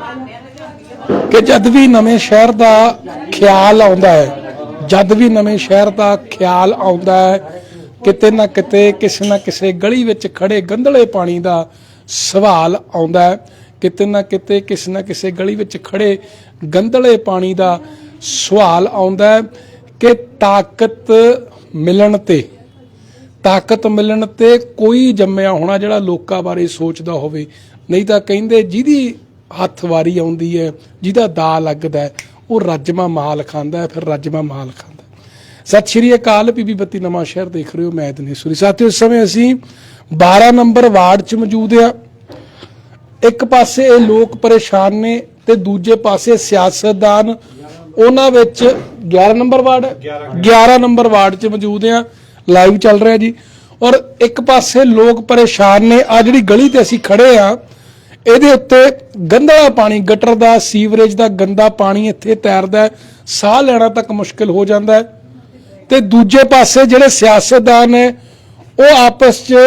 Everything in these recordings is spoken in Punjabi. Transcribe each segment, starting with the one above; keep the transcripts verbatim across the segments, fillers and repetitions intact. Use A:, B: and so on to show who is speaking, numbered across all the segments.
A: कि जद भी नवें शहर का ख्याल आउंदा है, जद भी नवें शहर का ख्याल आउंदा है, किते ना किते किसी ना किसी गली विच खड़े गंदले पानी का सवाल आउंदा है, किते ना किते किसी ना किसी गली विच खड़े गंदले पानी का सवाल आउंदा है कि ताकत मिलण ते ताकत मिलण ते कोई जम्मिया होना जिहड़ा लोकां बारे सोचदा होवे। नहीं तां कहिंदे जिहदी हत्थ वारी आउंदी है, जिहदा दा लगदा है, वो रजमा माल खांदा है, फिर रजमा माल खांदा है। सत श्री अकाल, पीबी बत्ती नवां शहर देख रहे हो, मैं दिनेश्वरी। साथियों, इस समय असीं बारह नंबर वार्ड च मौजूद आ। एक पासे ये लोग परेशान ने ते दूजे पासे सियासतदान उन्हां विच ग्यारह नंबर वार्ड ग्यारह नंबर वार्ड च मौजूद आ, लाइव चल रहा जी। और एक पासे लोग परेशान ने, आ जिहड़ी गली ते असीं खड़े आ ਇਹਦੇ ਉੱਤੇ ਗੰਦਾ ਪਾਣੀ, ਗਟਰ ਦਾ, ਸੀਵਰੇਜ ਦਾ ਗੰਦਾ ਪਾਣੀ ਇੱਥੇ ਤੈਰਦਾ ਹੈ, ਸਾਹ ਲੈਣਾ ਤੱਕ ਮੁਸ਼ਕਿਲ ਹੋ ਜਾਂਦਾ ਹੈ। ਤੇ ਦੂਜੇ ਪਾਸੇ ਜਿਹੜੇ ਸਿਆਸਤਦਾਨ ਨੇ ਉਹ ਆਪਸ 'ਚ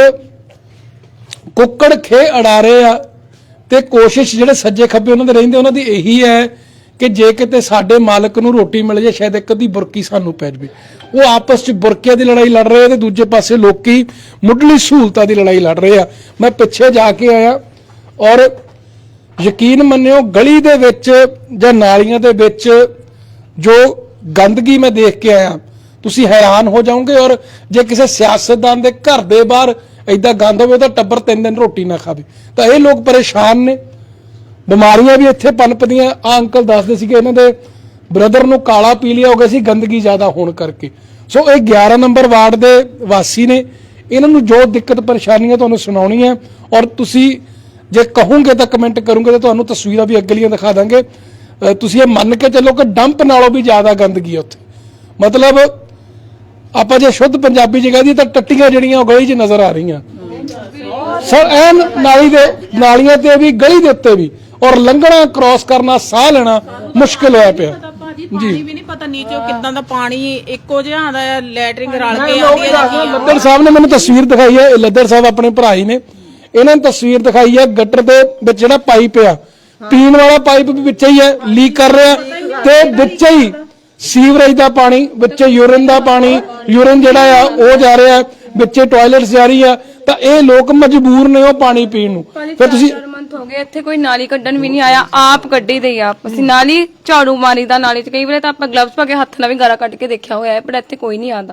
A: ਕੁੱਕੜ ਖੇ ਅੜਾ ਰਹੇ ਆ ਤੇ ਕੋਸ਼ਿਸ਼ ਜਿਹੜੇ ਸੱਜੇ ਖੱਬੇ ਉਹਨਾਂ ਦੇ ਰਹਿੰਦੇ ਉਹਨਾਂ ਦੀ ਇਹੀ ਹੈ ਕਿ ਜੇ ਕਿਤੇ ਸਾਡੇ ਮਾਲਕ ਨੂੰ ਰੋਟੀ ਮਿਲ ਜਾਏ, ਸ਼ਾਇਦ ਇੱਕ ਅੱਧੀ ਬੁਰਕੀ ਸਾਨੂੰ ਪੈ ਜਾਵੇ। ਉਹ ਆਪਸ 'ਚ ਬੁਰਕਿਆਂ ਦੀ ਲੜਾਈ ਲੜ ਰਹੇ ਆ ਤੇ ਦੂਜੇ ਪਾਸੇ ਲੋਕੀ ਮੁੱਢਲੀ ਸਹੂਲਤਾਂ ਦੀ ਲੜਾਈ ਲੜ ਰਹੇ ਆ। ਮੈਂ ਪਿੱਛੇ ਜਾ ਕੇ ਆਇਆ और यकीन मन्नियो गली दे विच जां नालियां दे विच जो गंदगी मैं देख के आया, तुसी हैरान हो जाओगे। और जे किसी सियासतदान दे घर दे बाहर इदां गंद होवे तां टब्बर तीन दिन रोटी ना खावे। तां ये लोग परेशान ने, बीमारियां भी इत्थे पनपदियां। आ अंकल दसदे सीगे इन्हां दे ब्रदर नूं काला पीलिया हो गया सी गंदगी ज़्यादा होण करके। सो ये ग्यारह नंबर वार्ड दे वासी ने, इन्हां नूं जो दिक्कत परेशानियां तुहानूं सुणाउणी है। और तुसी जे कहोगे तो कमेंट करूँगे तो तुहानूं तस्वीरां भी अगलियां दिखा देंगे। तुसीं ये मन के चलो कि डंप नालों भी ज़्यादा गंदगी है उत्थे। मतलब आपां जे शुद्ध पंजाबी च कह दईए तां टट्टियां जिहड़ियां गली च नज़र आ रही सर, ऐन नाली दे नालियां ते भी गली दे उत्ते भी, और लंघना क्रॉस करना साह लेना मुश्किल होया पिया जी।
B: भी नहीं पता नीचे कितना दा पानी इक्को जिहा आंदा है, लैटरिंग रल के आंदी है।
A: लद्दड़ साहब ने मैनूं तस्वीर दिखाई है, लद्दड़ साहब अपने भरा ही ने, इन्होंने तस्वीर दिखाई है गटर दे विच जिहड़ा पाइप आ, पीण वाला पाइप भी विच ही है, लीक कर रहा ते विच ही सीवरेज दा पानी, विच यूरिन दा पानी, यूरिन जिहड़ा आ वो जा रहा है, विच टॉयलेट्स जा रही है। तां ये लोग मजबूर ने वो पानी पीण नूं। फिर तुसीं
C: हो गए इत्थे कोई नाली कड्ढण भी नहीं आया, आप कड्ढी दई आप। ਅਸੀਂ नाली झाड़ू मारी दा नाली च, कई ਵੇਲੇ ਤਾਂ ਆਪਾਂ ਗਲਵਸ ਪਾ ਕੇ ਹੱਥ ਨਾਲ ਵੀ ਗਾਰਾ ਕੱਢ ਕੇ ਦੇਖਿਆ ਹੋਇਆ ਹੈ, ਪਰ ਇੱਥੇ ਕੋਈ ਨਹੀਂ ਆਉਂਦਾ।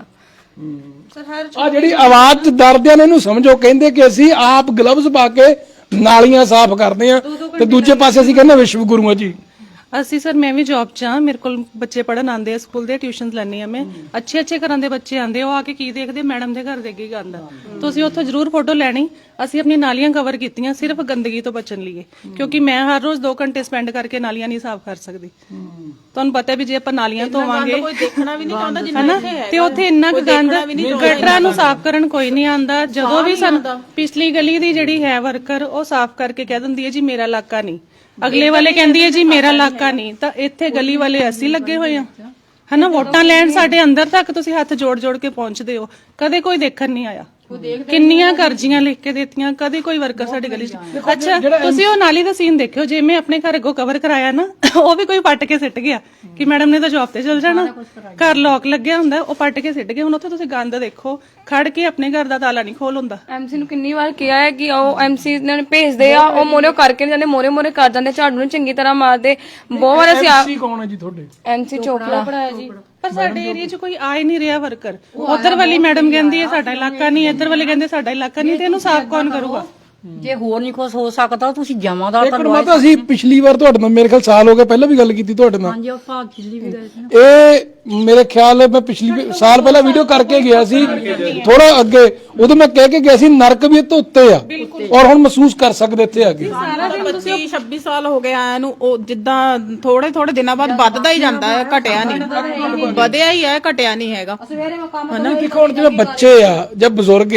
A: ਆ ਜਿਹੜੀ ਆਵਾਜ਼ ਚ ਦਰਦਿਆਂ ਨੇ ਇਹਨੂੰ ਸਮਝੋ, ਕਹਿੰਦੇ ਕਿ ਅਸੀਂ ਆਪ ਗਲਵਜ਼ ਪਾ ਕੇ ਨਾਲੀਆਂ ਸਾਫ਼ ਕਰਦੇ ਆ ਤੇ ਦੂਜੇ ਪਾਸੇ ਅਸੀਂ ਕਹਿੰਦੇ ਵਿਸ਼ਵ ਗੁਰੂ ਆ ਜੀ।
D: ਅਸੀਂ ਸਰ ਮੈਂ ਵੀ ਜੌਬ 'ਚ ਹਾਂ, ਮੇਰੇ ਕੋਲ ਬੱਚੇ ਪੜਨ ਆਉਂਦੇ ਆ, ਸਕੂਲ ਦੇ ਟਿਊਸ਼ਨਸ ਲੈਣੀ ਆ ਮੈਂ। ਅੱਛੇ ਅੱਛੇ ਘਰਾਂ ਦੇ ਬੱਚੇ ਆਉਂਦੇ, ਉਹ ਆ ਕੇ ਕੀ ਦੇਖਦੇ, ਮੈਡਮ ਦੇ ਘਰ ਦੇ ਅੱਗੇ ਗੰਦ। ਤੁਸੀਂ ਉੱਥੋਂ ਜ਼ਰੂਰ ਫੋਟੋ ਲੈਣੀ। ਅਸੀਂ ਆਪਣੀ ਨਾਲੀਆਂ ਕਵਰ ਕੀਤੀਆਂ ਸਿਰਫ ਗੰਦਗੀ ਤੋਂ ਬਚਣ ਲਈ, ਕਿਉਂਕਿ ਮੈਂ ਹਰ ਰੋਜ਼ ਦੋ ਘੰਟੇ ਸਪੈਂਡ ਕਰਕੇ ਨਾਲੀਆਂ ਨਹੀਂ ਸਾਫ਼ ਕਰ ਸਕਦੀ। ਤੁਹਾਨੂੰ ਪਤਾ ਵੀ ਜੇ ਆਪਾਂ ਨਾਲੀਆਂ ਧੋਵਾਂਗੇ
B: ਕੋਈ ਦੇਖਣਾ ਵੀ ਨਹੀਂ ਚਾਹੁੰਦਾ ਜਿੰਨਾ ਇੱਥੇ ਹੈ,
D: ਤੇ ਉੱਥੇ ਇੰਨਾ ਕੁ ਗੰਦ, ਗਟਰਾਂ ਨੂੰ ਸਾਫ਼ ਕਰਨ ਕੋਈ ਨਹੀਂ ਆਉਂਦਾ। ਜਦੋਂ ਵੀ ਸਾਨੂੰ ਪਿਛਲੀ ਗਲੀ ਦੀ ਜਿਹੜੀ ਹੈ ਵਰਕਰ, ਉਹ ਸਾਫ਼ ਕਰਕੇ ਕਹਿ ਦਿੰਦੀ ਹੈ ਜੀ ਮੇਰਾ ਇਲਾਕਾ ਨਹੀਂ, ਅਗਲੇ ਵਾਲੇ ਕਹਿੰਦੀ ਹੈ ਜੀ ਮੇਰਾ ਇਲਾਕਾ ਨਹੀਂ। ਤਾਂ ਇੱਥੇ ਗਲੀ ਵਾਲੇ ਅਸੀਂ ਲੱਗੇ ਹੋਏ ਆ ਹਨਾ, ਵੋਟਾਂ ਲੈਣ ਸਾਡੇ ਅੰਦਰ ਤੱਕ ਤੁਸੀਂ ਹੱਥ ਜੋੜ ਜੋੜ ਕੇ ਪਹੁੰਚਦੇ ਹੋ, ਕਦੇ ਕੋਈ ਦੇਖਣ ਨਹੀਂ ਆਇਆ। ਕਿੰਨੀਆਂ ਕਰਜ਼ੀਆਂ ਲਿਖ ਕੇ ਦਿੱਤੀਆਂ, ਕਦੇ ਕੋਈ ਵਰਕਰ ਸਾਡੀ ਗਲੀ 'ਚ। ਅੱਛਾ ਤੁਸੀਂ ਉਹ ਨਾਲੀ ਦਾ ਸੀਨ ਦੇਖਿਓ, ਜੇ ਮੈਂ ਆਪਣੇ ਘਰ ਅੱਗੋਂ ਕਵਰ ਕਰਾਇਆ ਨਾ, ਉਹ ਵੀ ਕੋਈ ਪੱਟ ਕੇ ਸਿੱਟ ਗਿਆ ਕਿ ਮੈਡਮ ਨੇ ਤਾਂ ਜੌਬ ਤੇ ਚਲ ਜਾਣਾ, ਘਰ ਲੋਕ ਲੱਗਿਆ ਹੁੰਦਾ, ਉਹ ਪੱਟ ਕੇ ਸਿੱਟ ਗਏ। ਹੁਣ ਉੱਥੇ ਤੁਸੀਂ ਗੰਦ ਦੇਖੋ, ਖੜ ਕੇ ਆਪਣੇ ਘਰ ਦਾ ਤਾਲਾ ਨਹੀਂ ਖੋਲ ਹੁੰਦਾ।
C: ਐਮਸੀ ਨੂੰ ਕਿੰਨੀ ਵਾਰ ਕਿਹਾ ਹੈ ਕਿ ਉਹ ਐਮਸੀ ਨੇ ਭੇਜਦੇ ਆ, ਉਹ ਮੋਰੇ ਕਰਕੇ ਨਹੀਂ ਜਾਂਦੇ, ਮੋਰੇ ਮੋਰੇ ਕਰ ਜਾਂਦੇ, ਝਾੜੂ ਨੂੰ ਚੰਗੀ ਤਰ੍ਹਾਂ ਮਾਰਦੇ। ਬਹੁਤ ਵਾਰ ਅਸੀਂ
A: ਐਮਸੀ ਕੌਣ ਹੈ ਜੀ ਤੁਹਾਡੇ?
C: ਐਮਸੀ ਚੋਪੜਾ ਪੜਾਇਆ ਜੀ।
D: ਪਰ ਸਾਡੇ ਏਰੀਆ 'ਚ ਕੋਈ ਆ ਹੀ ਨਹੀਂ ਰਿਹਾ ਵਰਕਰ। ਉਧਰ ਵਾਲੀ ਮੈਡਮ ਕਹਿੰਦੀ ਹੈ ਸਾਡਾ ਇਲਾਕਾ ਨਹੀਂ, ਇੱਧਰ ਵਾਲੇ ਕਹਿੰਦੇ ਸਾਡਾ ਇਲਾਕਾ ਨਹੀਂ, ਤੇ ਇਹਨੂੰ ਸਾਫ਼ ਕੌਣ ਕਰੂਗਾ?
E: ਜੇ ਹੋਰ ਨਹੀਂ ਕੁਝ ਹੋ ਸਕਦਾ ਤੁਸੀਂ ਜਮਾਦਾਰ
A: ਇੱਕ ਮਿੰਟ, ਅਸੀਂ ਪਿਛਲੀ ਵਾਰ ਤੁਹਾਡੇ ਨਾਲ ਮੇਰੇ ਖਿਆਲ ਸਾਲ ਹੋ ਗਿਆ, ਪਹਿਲਾਂ ਵੀ ਗੱਲ ਕੀਤੀ ਤੁਹਾਡੇ ਨਾਲ।
E: ਹਾਂਜੀ ਆਪਾਂ ਪਿਛਲੀ ਵੀ ਗਏ ਸੀ।
A: ਇਹ ਮੇਰੇ ਖਿਆਲ ਹੈ ਮੈਂ ਪਿਛਲੀ ਸਾਲ ਪਹਿਲਾਂ ਵੀਡੀਓ ਕਰਕੇ ਗਿਆ ਸੀ, ਥੋੜਾ ਅੱਗੇ, ਉਦੋਂ ਮੈਂ ਕਹਿ ਕੇ ਗਿਆ ਸੀ ਨਰਕ ਵੀ ਇੱਥੇ ਉੱਤੇ ਆ, ਔਰ ਹੁਣ ਮਹਿਸੂਸ ਕਰ ਸਕਦੇ ਇੱਥੇ ਆ ਕੇ।
B: ਪੱਚੀ ਛੱਬੀ ਸਾਲ ਹੋ ਗਏ ਆਇਆ ਨੂੰ, ਉਹ ਜਿੱਦਾਂ ਥੋੜੇ ਥੋੜੇ ਦਿਨਾਂ ਬਾਅਦ ਵੱਧਦਾ ਹੀ ਜਾਂਦਾ ਹੈ, ਘਟਿਆ ਨਹੀਂ, ਵਧਿਆ ਹੀ ਹੈ, ਘਟਿਆ ਨਹੀਂ ਹੈਗਾ।
A: ਹਨਾ ਕਿ ਹੁਣ ਜਿਵੇਂ ਬੱਚੇ ਆ ਜਾਂ ਬਜ਼ੁਰਗ ਆ,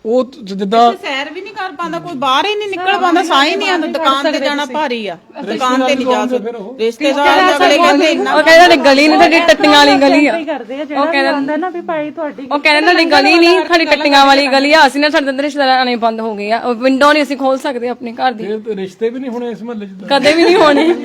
A: ਉਹ ਜਿੱਦਾਂ
B: ਸੈਰ ਵੀ ਨਹੀਂ ਕਰ ਪਾਉਂਦਾ, ਕੋਈ ਬਾਹਰ ਹੀ ਨਹੀਂ ਨਿਕਲ ਪਾਉਂਦਾ, ਸਾਹ ਹੀ ਨਹੀਂ ਆਉਂਦਾ, ਦੁਕਾਨ ਤੇ ਜਾਣਾ ਭਾਰੀ ਆ, ਦੁਕਾਨ ਤੇ ਨਹੀਂ ਜਾ ਸਕਦੇ ਰਿਸ਼ਤੇਦਾਰ ਅਗਲੇ ਕਹਿੰਦੇ ਇੰਨਾ
C: ਉਹ ਕਹਿੰਦੇ ਗਲੀ ਨਹੀਂ ਤੁਹਾਡੀ ਟੱਟੀਆਂ ਵਾਲੀ ਗਲੀ ਆ,
D: ਕਰਦੇ ਆ ਜਿਹੜਾ ਕਹਿੰਦਾ ਨਾ ਵੀ ਭਾਈ ਤੁਹਾਡੀ
C: ਉਹ ਕਹਿੰਦੇ ਤੁਹਾਡੀ ਗਲੀ ਨਹੀਂ ਤੁਹਾਡੀ ਟੱਟੀਆਂ ਵਾਲੀ ਗਲੀ ਆ, ਅਸੀਂ ਨਾ ਸਾਡੇ ਅੰਦਰ ਰਿਸ਼ਤੇਦਾਰ ਆਣੇ ਬੰਦ ਹੋ ਗਏ ਆ, ਵਿੰਡੋ ਨਹੀਂ ਅਸੀਂ ਖੋਲ ਸਕਦੇ ਆਪਣੇ ਘਰ ਦੀ,
A: ਰਿਸ਼ਤੇ ਵੀ ਨਹੀਂ ਹੋਣੇ ਇਸ ਮਹੱਲੇ 'ਚ।
C: ਕਦੇ ਵੀ ਨਹੀਂ ਹੋਣੇ।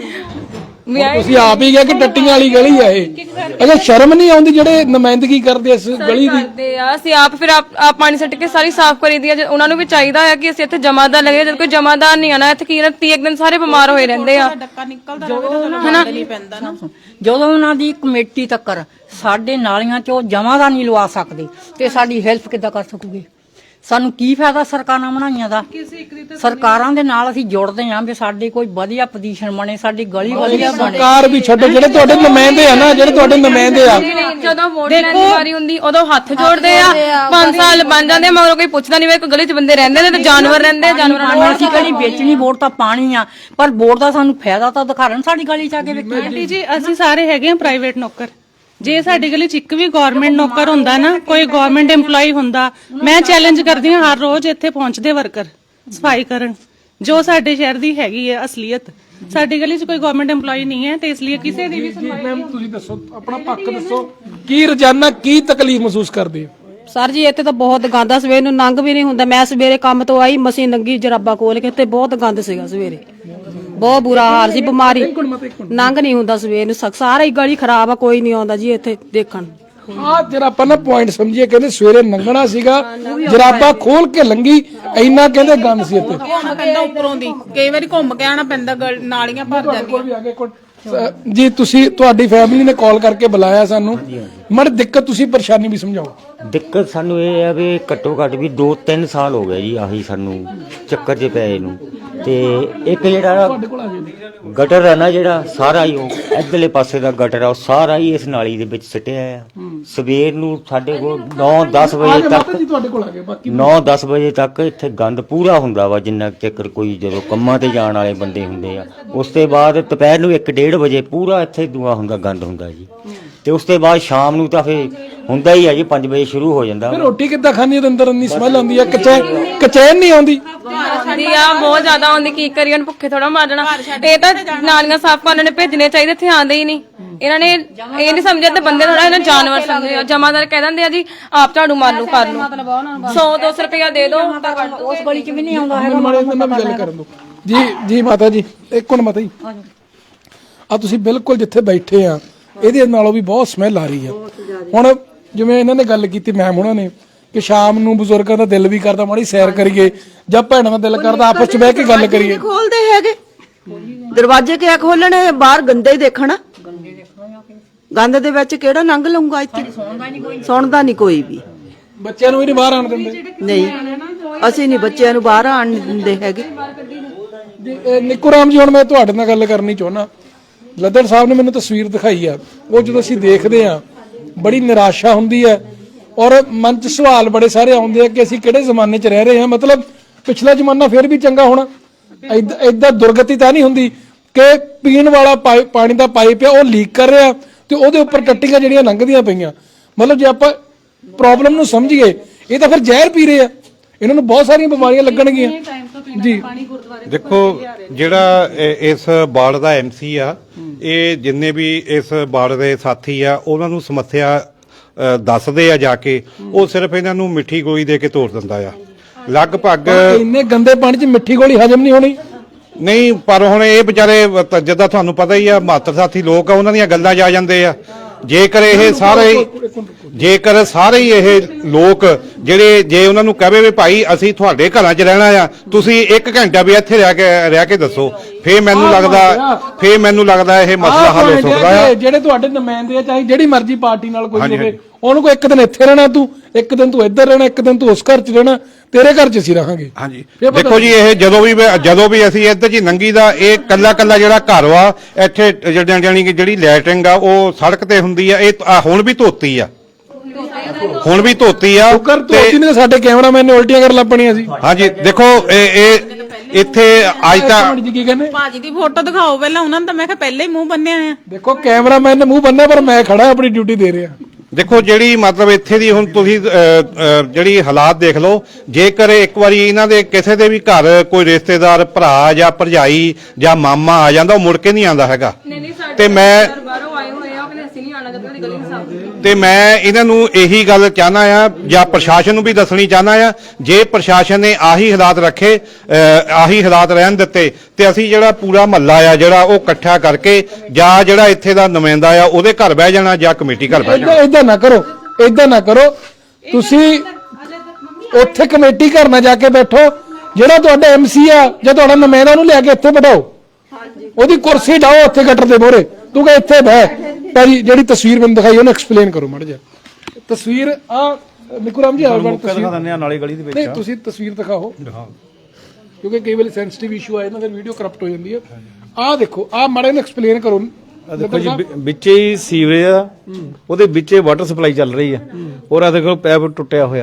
A: ਤੁਸੀਂ ਆਪ ਹੀ ਕਿਹਾ ਕਿ ਟੱਟੀਆਂ ਵਾਲੀ ਗਲੀ ਆ ਇਹ। ਅੱਛਾ ਸ਼ਰਮ ਨਹੀਂ ਆਉਂਦੀ ਜਿਹੜੇ ਨੁਮਾਇੰਦਗੀ ਕਰਦੇ ਇਸ ਗਲੀ ਦੀ?
C: ਕਰਦੇ ਆ ਅਸੀਂ ਆਪ ਫਿਰ ਆਪ ਆਪ ਪਾਣੀ ਸੱਟ ਕੇ ਸਾਰੀ ਸਾਫ਼ ਕਰੀਦੀ ਆ, ਉਹਨਾਂ ਨੂੰ ਵੀ ਚਾਹੀਦਾ ਆ ਕਿ ਅਸੀਂ ਇੱਥੇ ਜਮਾਦਾਰ ਲਗੇ, ਜਦ ਕੋਈ ਜਮਾਦਾਰ ਨਹੀਂ ਆਣਾ ਇੱਥੇ ਕੀ ਤੀਹ ਦਿਨ ਸਾਰੇ ਬਿਮਾਰ ਹੋਏ ਰਹਿੰਦੇ ਆ।
B: ਡੱਕਾ ਨਿਕਲਦਾ ਰਹੇ ਤਾਂ ਹਨਾ ਨਹੀਂ ਪੈਂਦਾ ਨਾ।
E: ਜਦੋਂ ਉਹਨਾਂ ਦੀ ਕਮੇਟੀ ਤੱਕਰ ਸਾਡੇ ਨਾਲੀਆਂ 'ਚੋਂ ਜਮਾਂ ਨਹੀਂ ਲਵਾ ਸਕਦੇ ਤੇ ਸਾਡੀ ਹੈਲਪ ਕਿੱਦਾਂ ਕਰ ਸਕੂਗੇ? ਸਾਨੂੰ ਕੀ ਫਾਇਦਾ ਸਰਕਾਰਾਂ ਬਣਾਈਆਂ ਦਾ? ਸਰਕਾਰਾਂ ਦੇ ਨਾਲ ਅਸੀਂ ਜੁੜਦੇ ਆਂ ਵੀ ਸਾਡੇ ਕੋਈ ਵਧੀਆ ਪੋਜੀਸ਼ਨ ਬਣੇ, ਸਾਡੀ ਗਲੀ ਵਧੀਆ ਬਣੇ।
A: ਸਰਕਾਰ ਵੀ ਛੱਡੋ, ਜਿਹੜੇ ਤੁਹਾਡੇ ਨੁਮਾਇੰਦੇ ਆ ਨਾ, ਜਿਹੜੇ ਤੁਹਾਡੇ ਨੁਮਾਇੰਦੇ ਆ,
C: ਜਦੋਂ ਵੋਟ ਲੈਣ ਦੀ ਵਾਰੀ ਹੁੰਦੀ ਉਦੋਂ ਹੱਥ ਜੋੜਦੇ ਆ, ਪੰਜ ਸਾਲ ਬਣ ਜਾਂਦੇ ਮਗਰੋਂ ਕੋਈ ਪੁੱਛਦਾ ਨਹੀਂ, ਵੇ ਕੋਈ ਗਲੀ 'ਚ ਬੰਦੇ ਰਹਿੰਦੇ ਨੇ ਤੇ ਜਾਨਵਰ ਰਹਿੰਦੇ, ਜਾਨਵਰਾਂ ਨੂੰ
E: ਅਸੀਂ ਕਿਹੜੀ ਵੇਚਣੀ, ਵੋਟ ਤਾਂ ਪਾਣੀ ਆ, ਪਰ ਵੋਟ ਦਾ ਸਾਨੂੰ ਫਾਇਦਾ ਤਾਂ ਦਿਖਾਣ ਸਾਡੀ ਗਲੀ 'ਚ ਆ ਕੇ ਵੇਖੀ।
D: ਆਂਟੀ ਜੀ ਅਸੀਂ ਸਾਰੇ ਹੈਗੇ ਆ ਪ੍ਰਾਈਵੇਟ ਨੌਕਰ, ਜੇ ਸਾਡੀ ਗਲੀ 'ਚ ਇੱਕ ਵੀ ਗਵਰਨਮੈਂਟ ਨੌਕਰ ਹੁੰਦਾ ਨਾ, ਕੋਈ ਗਵਰਨਮੈਂਟ EMPLOYE ਹੁੰਦਾ, ਮੈਂ ਚੈਲੰਜ ਕਰਦੀ ਹਾਂ ਹਰ ਰੋਜ਼ ਇੱਥੇ ਪਹੁੰਚਦੇ ਵਰਕਰ ਸਫਾਈ ਕਰਨ, ਜੋ ਸਾਡੇ ਸ਼ਹਿਰ ਦੀ ਹੈਗੀ ਹੈ ਅਸਲੀਅਤ। ਸਾਡੀ ਗਲੀ 'ਚ ਕੋਈ ਗਵਰਨਮੈਂਟ EMPLOYE ਨਹੀਂ ਹੈ ਤੇ ਇਸ ਲਈ ਕਿਸੇ ਦੀ ਵੀ ਸੁਣਵਾਈ
A: ਮੈਮ ਤੁਸੀਂ ਦੱਸੋ, ਆਪਣਾ ਪੱਖ ਦੱਸੋ, ਕੀ ਰੋਜ਼ਾਨਾ ਕੀ ਤਕਲੀਫ ਮਹਿਸੂਸ ਕਰਦੇ ਹੋ?
F: ਸਰ ਜੀ ਇੱਥੇ ਤਾਂ ਬਹੁਤ ਗੰਦ ਆ, ਸਵੇਰ ਨੂੰ ਲੰਘ ਵੀ ਨਹੀਂ ਹੁੰਦਾ। ਮੈਂ ਸਵੇਰੇ ਕੰਮ ਤੋਂ ਆਈ, ਮਸੀਂ ਨੰਗੀ ਜਰਾਬਾ ਖੋਲ ਕੇ, ਤੇ ਬਹੁਤ ਗੰਦ ਸੀਗਾ ਸਵੇਰੇ, ਬਹੁਤ ਬੁਰਾ ਹਾਲ ਸੀ, ਬਿਮਾਰੀ ਲੰਘ ਨਹੀਂ ਹੁੰਦਾ ਸਵੇਰ ਨੂੰ, ਸਾਰਾ ਹੀ ਗਲੀ ਖਰਾਬ ਆ, ਕੋਈ ਨਹੀਂ ਆਉਂਦਾ ਜੀ ਇੱਥੇ ਦੇਖਣ।
A: ਆ ਜਿਹੜਾ ਆਪਾਂ ਨਾ ਪੁਆਇੰਟ ਸਮਝੀਏ, ਕਹਿੰਦੇ ਸਵੇਰੇ ਲੰਘਣਾ ਸੀਗਾ, ਜਰਾਬਾ ਖੋਲ ਕੇ ਲੰਗੀ, ਇੰਨਾ ਕਹਿੰਦੇ ਗੰਦ ਸੀ ਇੱਥੇ।
B: ਘੁੰਮ ਪੈਂਦਾ ਉੱਪਰੋਂ ਦੀ, ਕਈ ਵਾਰੀ ਘੁੰਮ ਕੇ ਆਣਾ ਪੈਂਦਾ, ਗਲ- ਨਾਲੀਆਂ ਭਰ ਜਾਂਦੀਆਂ।
A: ਜੀ ਤੁਸੀਂ ਤੁਹਾਡੀ ਫੈਮਿਲੀ ਨੇ ਕਾਲ ਕਰਕੇ ਬੁਲਾਇਆ ਸਾਨੂੰ, ਮੜ ਦਿੱਕਤ ਤੁਸੀਂ ਪਰੇਸ਼ਾਨੀ ਵੀ ਸਮਝਾਓ।
G: ਦਿੱਕਤ ਸਾਨੂੰ ਇਹ ਹੈ ਵੀ ਘੱਟੋ ਘੱਟ ਵੀ ਦੋ ਤਿੰਨ ਸਾਲ ਹੋ ਗਏ ਜੀ ਆਹੀ ਸਾਨੂੰ ਚੱਕਰ 'ਚ ਪਏ ਨੂੰ, ਤੇ ਇੱਕ ਜਿਹੜਾ ਗਟਰ ਹੈ ਨਾ, ਜਿਹੜਾ ਸਾਰਾ ਹੀ ਉਹ ਇੱਧਰਲੇ ਪਾਸੇ ਦਾ ਗਟਰ ਆ, ਉਹ ਸਾਰਾ ਹੀ ਇਸ ਨਾਲੀ ਦੇ ਵਿੱਚ ਸਿੱਟਿਆ ਆ। ਸਵੇਰ ਨੂੰ ਸਾਡੇ ਕੋਲ ਨੌ ਦਸ ਵਜੇ ਤੱਕ
A: ਤੁਹਾਡੇ ਕੋਲ ਆ ਗਏ, ਬਾਕੀ
G: ਨੌ ਦਸ ਵਜੇ ਤੱਕ ਇੱਥੇ ਗੰਦ ਪੂਰਾ ਹੁੰਦਾ ਵਾ, ਜਿੰਨਾ ਚੱਕਰ ਕੋਈ ਜਦੋਂ ਕੰਮਾਂ ਤੇ ਜਾਣ ਵਾਲੇ ਬੰਦੇ ਹੁੰਦੇ ਆ। ਉਸ ਤੋਂ ਬਾਅਦ ਦੁਪਹਿਰ ਨੂੰ ਇੱਕ ਡੇਢ ਵਜੇ ਪੂਰਾ ਇੱਥੇ ਦੂਆ ਹੁੰਦਾ, ਗੰਦ ਹੁੰਦਾ ਜੀ, ਤੇ ਉਸ ਤੋਂ ਬਾਅਦ ਸ਼ਾਮ ਨੂੰ ਤਾਂ ਫੇ ਹੁੰਦਾ ਹੀ ਆ ਜੀ, ਪੰਜ ਵਜੇ ਸ਼ੁਰੂ ਹੋ ਜਾਂਦਾ।
A: ਫਿਰ ਰੋਟੀ ਕਿੱਦਾਂ ਖਾਣੀ ਉਹਦੇ ਅੰਦਰ ਇੰਨੀ ਸਮੈਲ ਆਉਂਦੀ ਆ, ਕਚੈ ਕਚੈਨ ਨਹੀਂ ਆਉਂਦੀ?
C: ਆਉਂਦੀ ਆ, ਬਹੁਤ ਜ਼ਿਆਦਾ ਆਉਂਦੀ, ਕੀ ਕਰੀਏ ਹੁਣ, ਭੁੱਖੇ ਥੋੜਾ ਮਾਰਨਾ। ਇਹ ਤਾਂ ਨਾਲੀਆਂ ਸਾਫ਼ ਕਰਨ ਨੇ ਭੇਜਣੇ ਚਾਹੀਦੇ, ਇੱਥੇ ਆਉਂਦੇ ਹੀ ਨਹੀਂ। ਇਹਨਾਂ ਨੇ ਇਹ ਨਹੀਂ ਸਮਝਿਆ ਤੇ ਬੰਦੇ ਥੋੜਾ ਇਹਨਾਂ ਜਾਨਵਰ ਸਮਝਦੇ ਆ। ਜਮਾਦਾਰ ਕਹਿ ਦਿੰਦੇ ਆ ਜੀ ਆਪ ਝਾੜੂ ਮਾਰ ਲੂ, ਕਰ ਲੂ, ਸੌ ਦੋ ਸੌ ਰੁਪਇਆ ਦੇ ਦੋ,
E: ਉਸ ਗਲੀ 'ਚ ਵੀ ਨਹੀਂ ਆਉਂਦਾ ਹੈਗਾ।
A: ਮਾੜੇ ਨਾਲ ਵੀ ਗੱਲ ਕਰਨ ਦੋ ਜੀ। ਜੀ ਮਾਤਾ ਜੀ ਇੱਕ ਮਿੰਟ ਮਾਤਾ ਜੀ, ਆ ਤੁਸੀਂ ਬਿਲਕੁਲ ਜਿੱਥੇ ਬੈਠੇ ਆ ਇਹਦੇ ਨਾਲੋਂ ਵੀ ਬਹੁਤ ਸਮੈਲ ਆ ਰਹੀ ਆ। ਹੁਣ ਜਿਵੇਂ ਇਹਨਾਂ ਨੇ ਗੱਲ ਕੀਤੀ ਮੈਮ ਉਹਨਾਂ ਨੇ ਕਿ ਸ਼ਾਮ ਨੂੰ ਬਜ਼ੁਰਗਾਂ ਦਾ ਦਿਲ ਵੀ ਕਰਦਾ ਮਾੜੀ ਸੈਰ ਕਰੀਏ, ਜਾਂ ਭੈਣਾਂ ਦਾ ਦਿਲ ਕਰਦਾ ਆਪਸ ਚ ਬਹਿ ਕੇ ਗੱਲ ਕਰੀਏ।
H: ਖੋਲਦੇ ਹੈਗੇ ਦਰਵਾਜ਼ੇ ਕਿਆ ਖੋਲਣੇ, ਬਾਹਰ ਗੰਦੇ ਹੀ ਦੇਖਣਾ, ਗੰਦ ਦੇ ਵਿੱਚ ਕਿਹੜਾ ਲੰਘ ਲਊਗਾ? ਇੱਥੇ ਸੁਣਦਾ ਨਹੀਂ ਕੋਈ ਵੀ।
A: ਬੱਚਿਆਂ ਨੂੰ ਵੀ ਨਹੀਂ ਬਾਹਰ ਆਣ ਦਿੰਦੇ?
H: ਨਹੀਂ, ਅਸੀਂ ਨਹੀਂ ਬੱਚਿਆਂ ਨੂੰ ਬਾਹਰ ਆਣ ਦਿੰਦੇ ਹੈਗੇ।
A: ਨਿੱਕੂ ਰਾਮ ਜੀ, ਹੁਣ ਮੈਂ ਤੁਹਾਡੇ ਨਾਲ ਗੱਲ ਕਰਨੀ ਚਾਹੁੰਦਾ। ਲੱਦੜ ਸਾਹਿਬ ਨੇ ਮੈਨੂੰ ਤਸਵੀਰ ਦਿਖਾਈ ਆ, ਉਹ ਜਦੋਂ ਅਸੀਂ ਦੇਖਦੇ ਆ ਬੜੀ ਨਿਰਾਸ਼ਾ ਹੁੰਦੀ ਹੈ, ਔਰ ਮਨ 'ਚ ਸਵਾਲ ਬੜੇ ਸਾਰੇ ਆਉਂਦੇ ਆ ਕਿ ਅਸੀਂ ਕਿਹੜੇ ਜ਼ਮਾਨੇ 'ਚ ਰਹਿ ਰਹੇ ਹਾਂ। ਮਤਲਬ ਪਿਛਲਾ ਜ਼ਮਾਨਾ ਫਿਰ ਵੀ ਚੰਗਾ ਹੋਣਾ, ਏਦਾਂ ਦੁਰਗਤੀ ਤਾਂ ਨਹੀਂ ਹੁੰਦੀ ਕਿ ਪੀਣ ਵਾਲਾ ਪਾਣੀ ਦਾ ਪਾਈਪ ਆ ਉਹ ਲੀਕ ਕਰ ਰਿਹਾ ਤੇ ਉਹਦੇ ਉੱਪਰ ਟੱਟੀਆਂ ਜਿਹੜੀਆਂ ਲੰਘਦੀਆਂ ਪਈਆਂ। ਮਤਲਬ ਜੇ ਆਪਾਂ ਪ੍ਰੋਬਲਮ ਨੂੰ ਸਮਝੀਏ, ਇਹ ਤਾਂ ਫਿਰ ਜ਼ਹਿਰ ਪੀ ਰਹੇ ਆ, ਇਹਨਾਂ ਨੂੰ ਬਹੁਤ ਸਾਰੀਆਂ ਬਿਮਾਰੀਆਂ ਲੱਗਣਗੀਆਂ ਜੀ।
I: ਦੇਖੋ, ਜਿਹੜਾ ਇਸ ਵਾਰਡ ਦਾ ਐਮਸੀ ਆ, ਇਹ ਜਿੰਨੇ ਵੀ ਇਸ ਵਾਰਡ ਦੇ ਸਾਥੀ ਆ, ਉਹਨਾਂ ਨੂੰ ਸਮੱਸਿਆ ਦੱਸਦੇ ਆ ਜਾ ਕੇ, ਉਹ ਸਿਰਫ ਇਹਨਾਂ ਨੂੰ ਮਿੱਠੀ ਗੋਲੀ ਦੇ ਕੇ ਤੋੜ ਦਿੰਦਾ ਆ। ਲਗਭਗ
A: ਇੰਨੇ ਗੰਦੇ ਪਾਣੀ 'ਚ ਮਿੱਠੀ ਗੋਲੀ ਹਜਮ ਨਹੀਂ ਹੋਣੀ।
I: ਨਹੀਂ, ਪਰ ਹੁਣ ਇਹ ਵਿਚਾਰੇ ਜਿੱਦਾਂ ਤੁਹਾਨੂੰ ਪਤਾ ਹੀ ਆ, ਮਾਤਰ ਸਾਥੀ ਲੋਕ ਆ, ਉਹਨਾਂ ਦੀਆਂ ਗੱਲਾਂ 'ਚ ਆ ਜਾਂਦੇ ਆ। ਜੇਕਰ ਇਹ ਸਾਰੇ ਜੇਕਰ ਸਾਰੇ ਹੀ ਇਹ ਲੋਕ ਜਿਹੜੇ, ਜੇ ਉਹਨਾਂ ਨੂੰ ਕਹੇ ਵੀ ਭਾਈ ਅਸੀਂ ਤੁਹਾਡੇ ਘਰਾਂ 'ਚ ਰਹਿਣਾ ਆ, ਤੁਸੀਂ ਇੱਕ ਘੰਟਾ ਵੀ ਇੱਥੇ ਰਹਿ ਕੇ ਰਹਿ ਕੇ ਦੱਸੋ, ਫੇਰ ਮੈਨੂੰ ਲੱਗਦਾ ਫੇਰ ਮੈਨੂੰ ਲੱਗਦਾ ਇਹ ਮਸਲਾ ਹੱਲ ਹੋ ਸਕਦਾ ਆ।
A: ਜਿਹੜੇ ਤੁਹਾਡੇ ਨੁਮਾਇੰਦੇ ਆ, ਚਾਹੇ ਜਿਹੜੀ ਮਰਜ਼ੀ ਪਾਰਟੀ ਨਾਲ ਕੋਈ ਹੋਵੇ, ਉਹਨੂੰ ਕੋਈ ਇੱਕ ਦਿਨ ਇੱਥੇ ਰਹਿਣਾ, ਤੂੰ ਇੱਕ ਦਿਨ ਤੂੰ ਇੱਧਰ ਰਹਿਣਾ, ਇੱਕ ਦਿਨ ਤੂੰ ਉਸ ਘਰ 'ਚ ਰਹਿਣਾ, ਤੇਰੇ ਘਰ 'ਚ ਅਸੀਂ ਰਹਾਂਗੇ।
I: ਹਾਂਜੀ, ਦੇਖੋ ਜੀ, ਇਹ ਜਦੋਂ ਵੀ ਜਦੋਂ ਵੀ ਅਸੀਂ ਇੱਧਰ ਜੀ ਨੰਗੀ ਦਾ, ਇਹ ਕੱਲਾ ਕੱਲਾ ਜਿਹੜਾ ਘਰ ਵਾ ਇੱਥੇ ਜਾਣੀ ਕਿ ਜਿਹੜੀ ਲੈਟਰਿੰਗ ਆ ਉਹ ਸੜਕ ਤੇ ਹੁੰਦੀ ਆ, ਇਹ ਹੁਣ ਵੀ ਧੋਤੀ ਆ, ਹੁਣ ਵੀ ਧੋਤੀ ਆ।
A: ਤੇ ਸਾਡੇ ਕੈਮਰਾਮੈਨ ਨੇ ਉਲਟੀਆਂ ਕਰਨ ਲੱਪਣੀਆਂ ਸੀ।
I: ਹਾਂਜੀ, ਦੇਖੋ ਇਹ ਇਹ ਇੱਥੇ ਅੱਜ ਤਾਂ
A: ਕੀ ਕਹਿੰਦੇ
B: ਭਾਜੀ ਦੀ ਫੋਟੋ ਦਿਖਾਓ ਪਹਿਲਾਂ, ਉਹਨਾਂ ਨੇ ਤਾਂ ਮੈਂ ਕਿਹਾ ਪਹਿਲੇ ਹੀ ਮੂੰਹ ਬੰਨਿਆ ਆ।
A: ਦੇਖੋ ਕੈਮਰਾਮੈਨ ਨੇ ਮੂੰਹ ਬੰਨਿਆ, ਪਰ ਮੈਂ ਖੜਾ ਆਪਣੀ ਡਿਊਟੀ ਦੇ ਰਿਹਾ।
I: ਦੇਖੋ ਜਿਹੜੀ ਮਤਲਬ ਇੱਥੇ ਦੀ ਹੁਣ ਤੁਸੀਂ ਅ, ਅ, ਜਿਹੜੀ ਹਾਲਾਤ ਦੇਖ ਲਓ, ਜੇਕਰ ਇੱਕ ਵਾਰੀ ਇਹਨਾਂ ਦੇ ਕਿਸੇ ਦੇ ਵੀ ਘਰ ਕੋਈ ਰਿਸ਼ਤੇਦਾਰ ਭਰਾ ਜਾਂ ਭਰਜਾਈ ਜਾਂ ਮਾਮਾ ਆ ਜਾਂਦਾ, ਉਹ ਮੁੜ ਕੇ ਨਹੀਂ ਆਉਂਦਾ ਹੈਗਾ। ਤੇ ਮੈਂ
C: ਬਾਹਰੋਂ ਆਏ ਹੋਏ ਆ, ਉਹ ਕਹਿੰਦੇ ਅਸੀਂ ਨਹੀਂ ਆਣਾ ਜਦੋਂ ਤੱਕ ਗਲੀ ਨਹੀਂ ਸਾਫ਼ ਹੁੰਦੀ।
I: ਤੇ ਮੈਂ ਇਹਨਾਂ ਨੂੰ ਇਹੀ ਗੱਲ ਚਾਹਨਾ ਆ ਜਾਂ ਪ੍ਰਸ਼ਾਸਨ ਨੂੰ ਵੀ ਦੱਸਣੀ ਚਾਹਨਾ ਆ, ਜੇ ਪ੍ਰਸ਼ਾਸਨ ਨੇ ਆਹੀ ਹਾਲਾਤ ਰੱਖੇ, ਅ, ਆਹੀ ਹਾਲਾਤ ਰਹਿਣ ਦਿੱਤੇ, ਤੇ ਅਸੀਂ ਜਿਹੜਾ ਪੂਰਾ ਮਹੱਲਾ ਆ ਜਿਹੜਾ ਉਹ ਇਕੱਠਾ ਕਰਕੇ ਜਾਂ ਜਿਹੜਾ ਇੱਥੇ ਦਾ ਨੁਮਾਇੰਦਾ ਆ ਉਹਦੇ ਘਰ ਬਹਿ ਜਾਣਾ ਜਾਂ ਕਮੇਟੀ ਘਰ ਬਹਿ ਜਾਣਾ।
A: ਇਦਾਂ ਨਾ ਕਰੋ, ਇਦਾਂ ਨਾ ਕਰੋ, ਤੁਸੀਂ ਉੱਥੇ ਕਮੇਟੀ ਘਰ ਨਾ ਜਾ ਕੇ ਬੈਠੋ, ਜਿਹੜਾ ਤੁਹਾਡਾ ਐਮਸੀ ਆ ਜਾਂ ਤੁਹਾਡਾ ਨੁਮਾਇੰਦਾ ਉਹਨੂੰ ਲੈ ਕੇ ਇੱਥੇ ਬਿਠਾਓ, ਉਹਦੀ ਕੁਰਸੀ ਢਾਓ ਉੱਥੇ ਗਟਰ ਦੇ ਮੋਹਰੇ, ਤੂੰ ਕਹ ਇੱਥੇ ਬਹਿ। ਭਾਜੀ ਜਿਹੜੀ ਤਸਵੀਰ ਮੈਨੂੰ ਦਿਖਾਈ ਉਹਨੂੰ ਐਕਸਪਲੇਨ ਕਰੋ ਮਾੜਾ ਜਿਹਾ। ਤਸਵੀਰ ਆ ਨਿਕੂ ਰਾਮ ਜੀ ਆ ਬਣ ਤਸਵੀਰ
J: ਨਾਲੇ ਗਲੀ ਦੇ ਵਿੱਚ
A: ਨਹੀਂ, ਤੁਸੀਂ ਤਸਵੀਰ ਦਿਖਾਓ ਕਿਉਂਕਿ ਕਈ ਵੇਲੇ ਸੈਂਸਿਟਿਵ ਇਸ਼ੂ ਆ ਜਾਂਦਾ, ਫਿਰ ਵੀਡੀਓ ਕਰਪਟ ਹੋ ਜਾਂਦੀ ਹੈ। ਆਹ ਦੇਖੋ, ਆਹ ਮਾੜਾ ਜਿਹਾ ਐਕਸਪਲੇਨ ਕਰੋ।
J: ਦੇਖੋ ਜੀ, ਵਿੱਚੇ ਹੀ ਸੀਵਰੇਜ ਆ, ਉਹਦੇ ਵਿੱਚੇ ਵਾਟਰ ਸਪਲਾਈ ਚੱਲ ਰਹੀ ਆ, ਔਰ ਆ ਦੇਖੋ ਪੈਪ ਟੁੱਟਿਆ ਹੋਇਆ,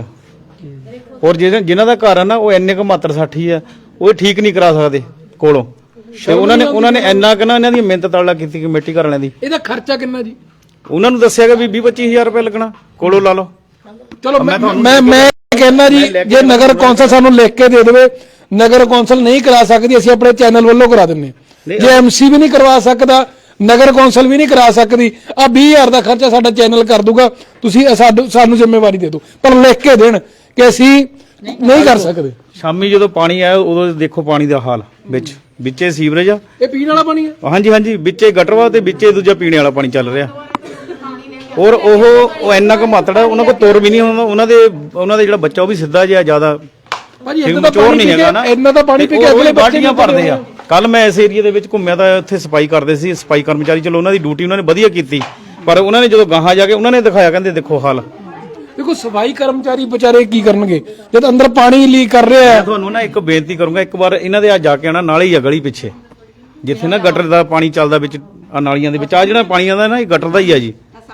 J: ਔਰ ਜਿਨ੍ਹਾਂ ਦਾ ਘਰ ਆ ਨਾ ਉਹ ਇੰਨੇ ਕੁ ਮਾਤਰ ਸਾਠੀ ਆ, ਉਹ ਠੀਕ ਨਹੀਂ ਕਰਾ ਸਕਦੇ ਕੋਲੋਂ। ਤੇ ਉਹਨਾਂ ਨੇ ਉਹਨਾਂ ਨੇ ਇੰਨਾ ਕਿ ਨਾ ਇਹਨਾਂ ਦੀ ਮਿਹਨਤ ਤਾਲਾ ਕੀਤੀ ਕਮੇਟੀ ਘਰ ਵਾਲਿਆਂ ਦੀ।
A: ਇਹਦਾ ਖਰਚਾ ਕਿੰਨਾ ਜੀ?
J: ਉਹਨਾਂ ਨੂੰ ਦੱਸਿਆ ਗਿਆ ਵੀ ਵੀਹ ਪੱਚੀ ਹਜ਼ਾਰ ਰੁਪਏ ਲੱਗਣਾ, ਕੋਲੋਂ ਲਾ ਲਓ।
A: ਚਲੋ ਮੈਂ ਮੈਂ ਮੈਂ ਕਹਿੰਦਾ ਜੀ, ਜੇ ਨਗਰ ਕੌਂਸਲ ਸਾਨੂੰ ਲਿਖ ਕੇ ਦੇ ਦੇਵੇ, ਨਗਰ ਕੌਂਸਲ ਨਹੀਂ ਕਰਾ ਸਕਦੀ, ਅਸੀਂ ਆਪਣੇ ਚੈਨਲ ਵੱਲੋਂ ਕਰਾ ਦਿੰਨੇ। ਜੇ ਐਮਸੀ ਵੀ ਨਹੀਂ ਕਰਵਾ ਸਕਦਾ, ਨਗਰ ਕੌਂਸਲ ਵੀ ਨਹੀਂ ਕਰਾ ਸਕਦੀ, ਆ ਵੀਹ ਹਜ਼ਾਰ ਦਾ ਖਰਚਾ ਸਾਡਾ ਚੈਨਲ ਕਰ ਦੂਗਾ, ਤੁਸੀਂ ਸਾਨੂੰ ਸਾਨੂੰ ਜ਼ਿੰਮੇਵਾਰੀ ਦੇ ਦਿਓ, ਪਰ ਲਿਖ ਕੇ ਦੇਣ ਕਿ ਅਸੀਂ ਨਹੀਂ ਕਰ ਸਕਦੇ।
J: ਸ਼ਾਮੀ ਜਦੋਂ ਪਾਣੀ ਆਇਆ ਉਦੋਂ ਦੇਖੋ ਪਾਣੀ ਦਾ ਹਾਲ, ਵਿੱਚ ਵਿੱਚੇ ਸੀਵਰੇਜ ਆ,
A: ਇਹ ਪੀਣ ਵਾਲਾ ਪਾਣੀ ਹੈ।
J: ਹਾਂਜੀ ਹਾਂਜੀ, ਵਿੱਚੇ ਗਟਰਵਾ ਤੇ ਵਿੱਚੇ ਦੂਜਾ ਪੀਣੇ ਵਾਲਾ ਪਾਣੀ ਚੱਲ ਰਿਹਾ। ਔਰ ਉਹ ਉਹ ਇੰਨਾ ਕੁ ਮਾਤੜਾ, ਉਹਨਾਂ ਕੋਲ ਤੁਰ ਵੀ ਨਹੀਂ ਹੁੰਦਾ, ਉਹਨਾਂ ਦੇ ਉਹਨਾਂ ਦੇ ਜਿਹੜਾ ਬੱਚਾ ਉਹ ਵੀ ਸਿੱਧਾ ਜਿਹਾ ਜ਼ਿਆਦਾ
A: ਭਾਜੀ
J: ਠੀਕ
A: ਇੰਨਾ ਤਾਂ
J: ਮਚੋਰ ਨਹੀਂ ਹੈਗਾ ਨਾ,
A: ਇੰਨਾ ਤਾਂ ਪਾਣੀ ਪੀ ਕੇ ਅਗਲੇ
J: ਬਾਲਟੀਆਂ ਭਰਦੇ ਆ। ਕੱਲ ਮੈਂ ਇਸ ਏਰੀਆ ਦੇ ਵਿੱਚ ਘੁੰਮਿਆ ਤਾਂ ਉੱਥੇ ਸਫਾਈ ਕਰਦੇ ਸੀ ਸਫਾਈ ਕਰਮਚਾਰੀ, ਚਲੋ ਉਹਨਾਂ ਦੀ ਡਿਊਟੀ ਉਹਨਾਂ ਨੇ ਵਧੀਆ ਕੀਤੀ, ਪਰ ਉਹਨਾਂ ਨੇ ਜਦੋਂ ਗਾਹਾਂ ਜਾ ਕੇ ਉਹਨਾਂ ਨੇ ਦਿਖਾਇਆ, ਕਹਿੰਦੇ ਦੇਖੋ ਹਾਲ।
A: ਦੇਖੋ ਸਫਾਈ ਕਰਮਚਾਰੀ ਵਿਚਾਰੇ ਕੀ ਕਰਨਗੇ ਜਦ ਅੰਦਰ ਪਾਣੀ ਲੀਕ ਕਰ ਰਿਹਾ ਹੈ।
J: ਤੁਹਾਨੂੰ ਨਾ ਇੱਕ ਬੇਨਤੀ ਕਰੂੰਗਾ, ਇੱਕ ਵਾਰ ਇਹਨਾਂ ਦੇ ਆ ਜਾ ਕੇ ਆਣਾ, ਨਾਲੇ ਹੀ ਆ ਗਲੀ ਪਿੱਛੇ ਜਿੱਥੇ ਨਾ ਗਟਰ ਦਾ ਪਾਣੀ ਚੱਲਦਾ ਵਿੱਚ, ਆ ਨਾਲੀਆਂ ਦੇ ਵਿੱਚ ਆ ਜਿਹੜਾ ਪਾਣੀ ਆਉਂਦਾ ਨਾ, ਇਹ ਗਟਰ ਦਾ ਹੀ ਆ ਜੀ।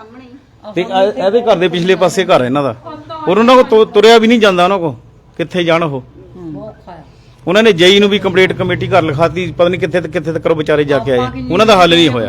J: ਤੇ ਇਹਦੇ ਘਰ ਦੇ ਪਿਛਲੇ ਪਾਸੇ ਘਰ ਇਹਨਾਂ ਦਾ, ਔਰ ਉਹਨਾਂ ਕੋ ਤੁਰਿਆ ਵੀ ਨਹੀਂ ਜਾਂਦਾ, ਉਹਨਾਂ ਕੋ ਕਿੱਥੇ ਜਾਣ ਉਹ। ਉਹਨਾਂ ਨੇ ਜੇਈ ਨੂੰ ਵੀ ਕੰਪਲੀਟ ਕਮੇਟੀ ਘਰ ਲਿਖਾਤੀ, ਪਤਾ ਨਹੀਂ ਕਿੱਥੇ ਕਿੱਥੇ ਤੱਕ ਵਿਚਾਰੇ ਜਾ ਕੇ ਆਏ, ਉਹਨਾਂ ਦਾ ਹੱਲ ਨਹੀਂ ਹੋਇਆ।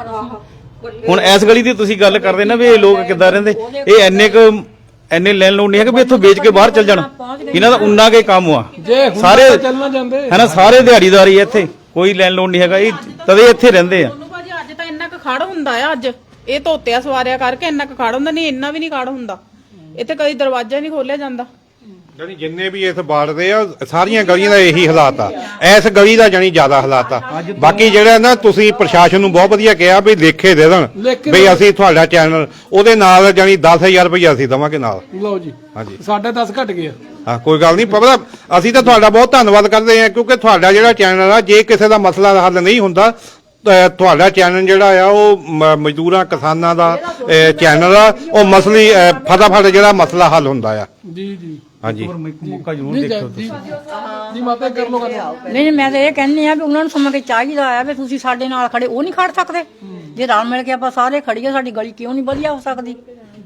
J: ਹੁਣ ਇਸ ਗਲੀ ਦੀ ਤੁਸੀਂ ਗੱਲ ਕਰਦੇ ਨਾ ਵੀ ਇਹ ਲੋਕ ਕਿੱਦਾਂ ਰਹਿੰਦੇ, ਇਹ ਐਨੇ ਕੁ ਐਨੇ ਲੈਣ ਲੋੜ ਨਹੀਂ ਹੈ ਕਿ ਵੀ ਇੱਥੋਂ ਵੇਚ ਕੇ ਬਾਹਰ ਚੱਲ ਜਾਣ, ਇਹਨਾਂ ਦਾ ਉਨਾ ਕੇ ਕੰਮ ਆ ਸਾਰੇ,
A: ਚੱਲਣਾ ਜਾਂਦੇ
J: ਹੈ ਨਾ, ਸਾਰੇ ਦਿਹਾੜੀਦਾਰੀ ਇੱਥੇ, ਕੋਈ ਲੈਣ ਲੋੜ ਨਹੀਂ ਹੈਗਾ, ਇਹ ਤਦੇ ਇੱਥੇ ਰਹਿੰਦੇ ਆ।
B: ਭਾਜੀ ਅੱਜ ਤਾਂ ਇੰਨਾ ਕੁ ਖੜ ਹੁੰਦਾ ਆ, ਅੱਜ ਇਹ ਧੋਤਿਆ ਸਵਾਰਿਆ ਕਰਕੇ ਇੰਨਾ ਕੁ ਖੜ ਹੁੰਦਾ, ਨਹੀਂ ਇੰਨਾ ਵੀ ਨਹੀਂ ਖੜ ਹੁੰਦਾ ਇੱਥੇ, ਕਦੀ ਦਰਵਾਜ਼ਾ ਨਹੀਂ ਖੋਲਿਆ ਜਾਂਦਾ।
I: ਜਾਨੀ ਜਿੰਨੇ ਵੀ ਇਸ ਬਾੜਦੇ ਆ ਸਾਰੀਆਂ ਗਲੀਆਂ ਦਾ ਇਹੀ ਹਾਲਾਤ ਆ, ਇਸ ਗਲੀ ਦਾ ਜਾਨੀ ਜ਼ਿਆਦਾ ਹਾਲਾਤ ਆ। ਬਾਕੀ ਜਿਹੜਾ ਨਾ ਤੁਸੀਂ ਪ੍ਰਸ਼ਾਸਨ ਨੂੰ ਬਹੁਤ ਵਧੀਆ ਕਿਹਾ ਵੀ ਲੇਖੇ ਦੇ ਦੇਣ ਵੀ ਅਸੀਂ ਤੁਹਾਡਾ ਚੈਨਲ ਉਹਦੇ ਨਾਲ ਜਾਨੀ ਦਸ ਹਜ਼ਾਰ ਰੁਪਏ ਅਸੀਂ ਦੇਵਾਂਗੇ ਨਾਲ।
A: ਲਓ ਜੀ,
I: ਹਾਂਜੀ
A: ਸਾਡਾ ਦਸ ਘਟ ਗਿਆ।
I: ਹਾਂ ਕੋਈ ਗੱਲ ਨਹੀਂ, ਪਤਾ ਅਸੀਂ ਤਾਂ ਤੁਹਾਡਾ ਬਹੁਤ ਧੰਨਵਾਦ ਕਰਦੇ ਹਾਂ, ਕਿਉਂਕਿ ਤੁਹਾਡਾ ਜਿਹੜਾ ਚੈਨਲ ਆ, ਜੇ ਕਿਸੇ ਦਾ ਮਸਲਾ ਹੱਲ ਨਹੀਂ ਹੁੰਦਾ, ਤੁਹਾਡਾ ਚੈਨਲ ਜਿਹੜਾ ਆ ਉਹ ਮਜ਼ਦੂਰਾਂ ਕਿਸਾਨਾਂ ਦਾ ਚੈਨਲ ਆ, ਉਹ ਮਸਲੀ ਫਟਾਫਟ ਜਿਹੜਾ ਮਸਲਾ ਹੱਲ ਹੁੰਦਾ ਆ।
A: ਜੀ ਜੀ
I: ਹਾਂਜੀ
J: ਮੌਕਾ ਜ਼ਰੂਰ ਦੇਖੋ ਤੁਸੀਂ।
A: ਜੀ ਮਾਤਾ ਕਰ ਲੋ ਗੱਲ।
E: ਨਹੀਂ ਮੈਂ ਤਾਂ ਇਹ ਕਹਿੰਦੀ ਆ ਵੀ ਉਹਨਾਂ ਨੂੰ ਸਮਝ ਕੇ ਚਾਹੀਦਾ ਆ ਵੀ ਤੁਸੀਂ ਸਾਡੇ ਨਾਲ ਖੜੇ, ਉਹ ਨਹੀਂ ਖੜ ਸਕਦੇ। ਜੇ ਰਲ ਮਿਲ ਕੇ ਆਪਾਂ ਸਾਰੇ ਖੜੀਏ, ਸਾਡੀ ਗਲੀ ਕਿਉਂ ਨਹੀਂ ਵਧੀਆ ਹੋ ਸਕਦੀ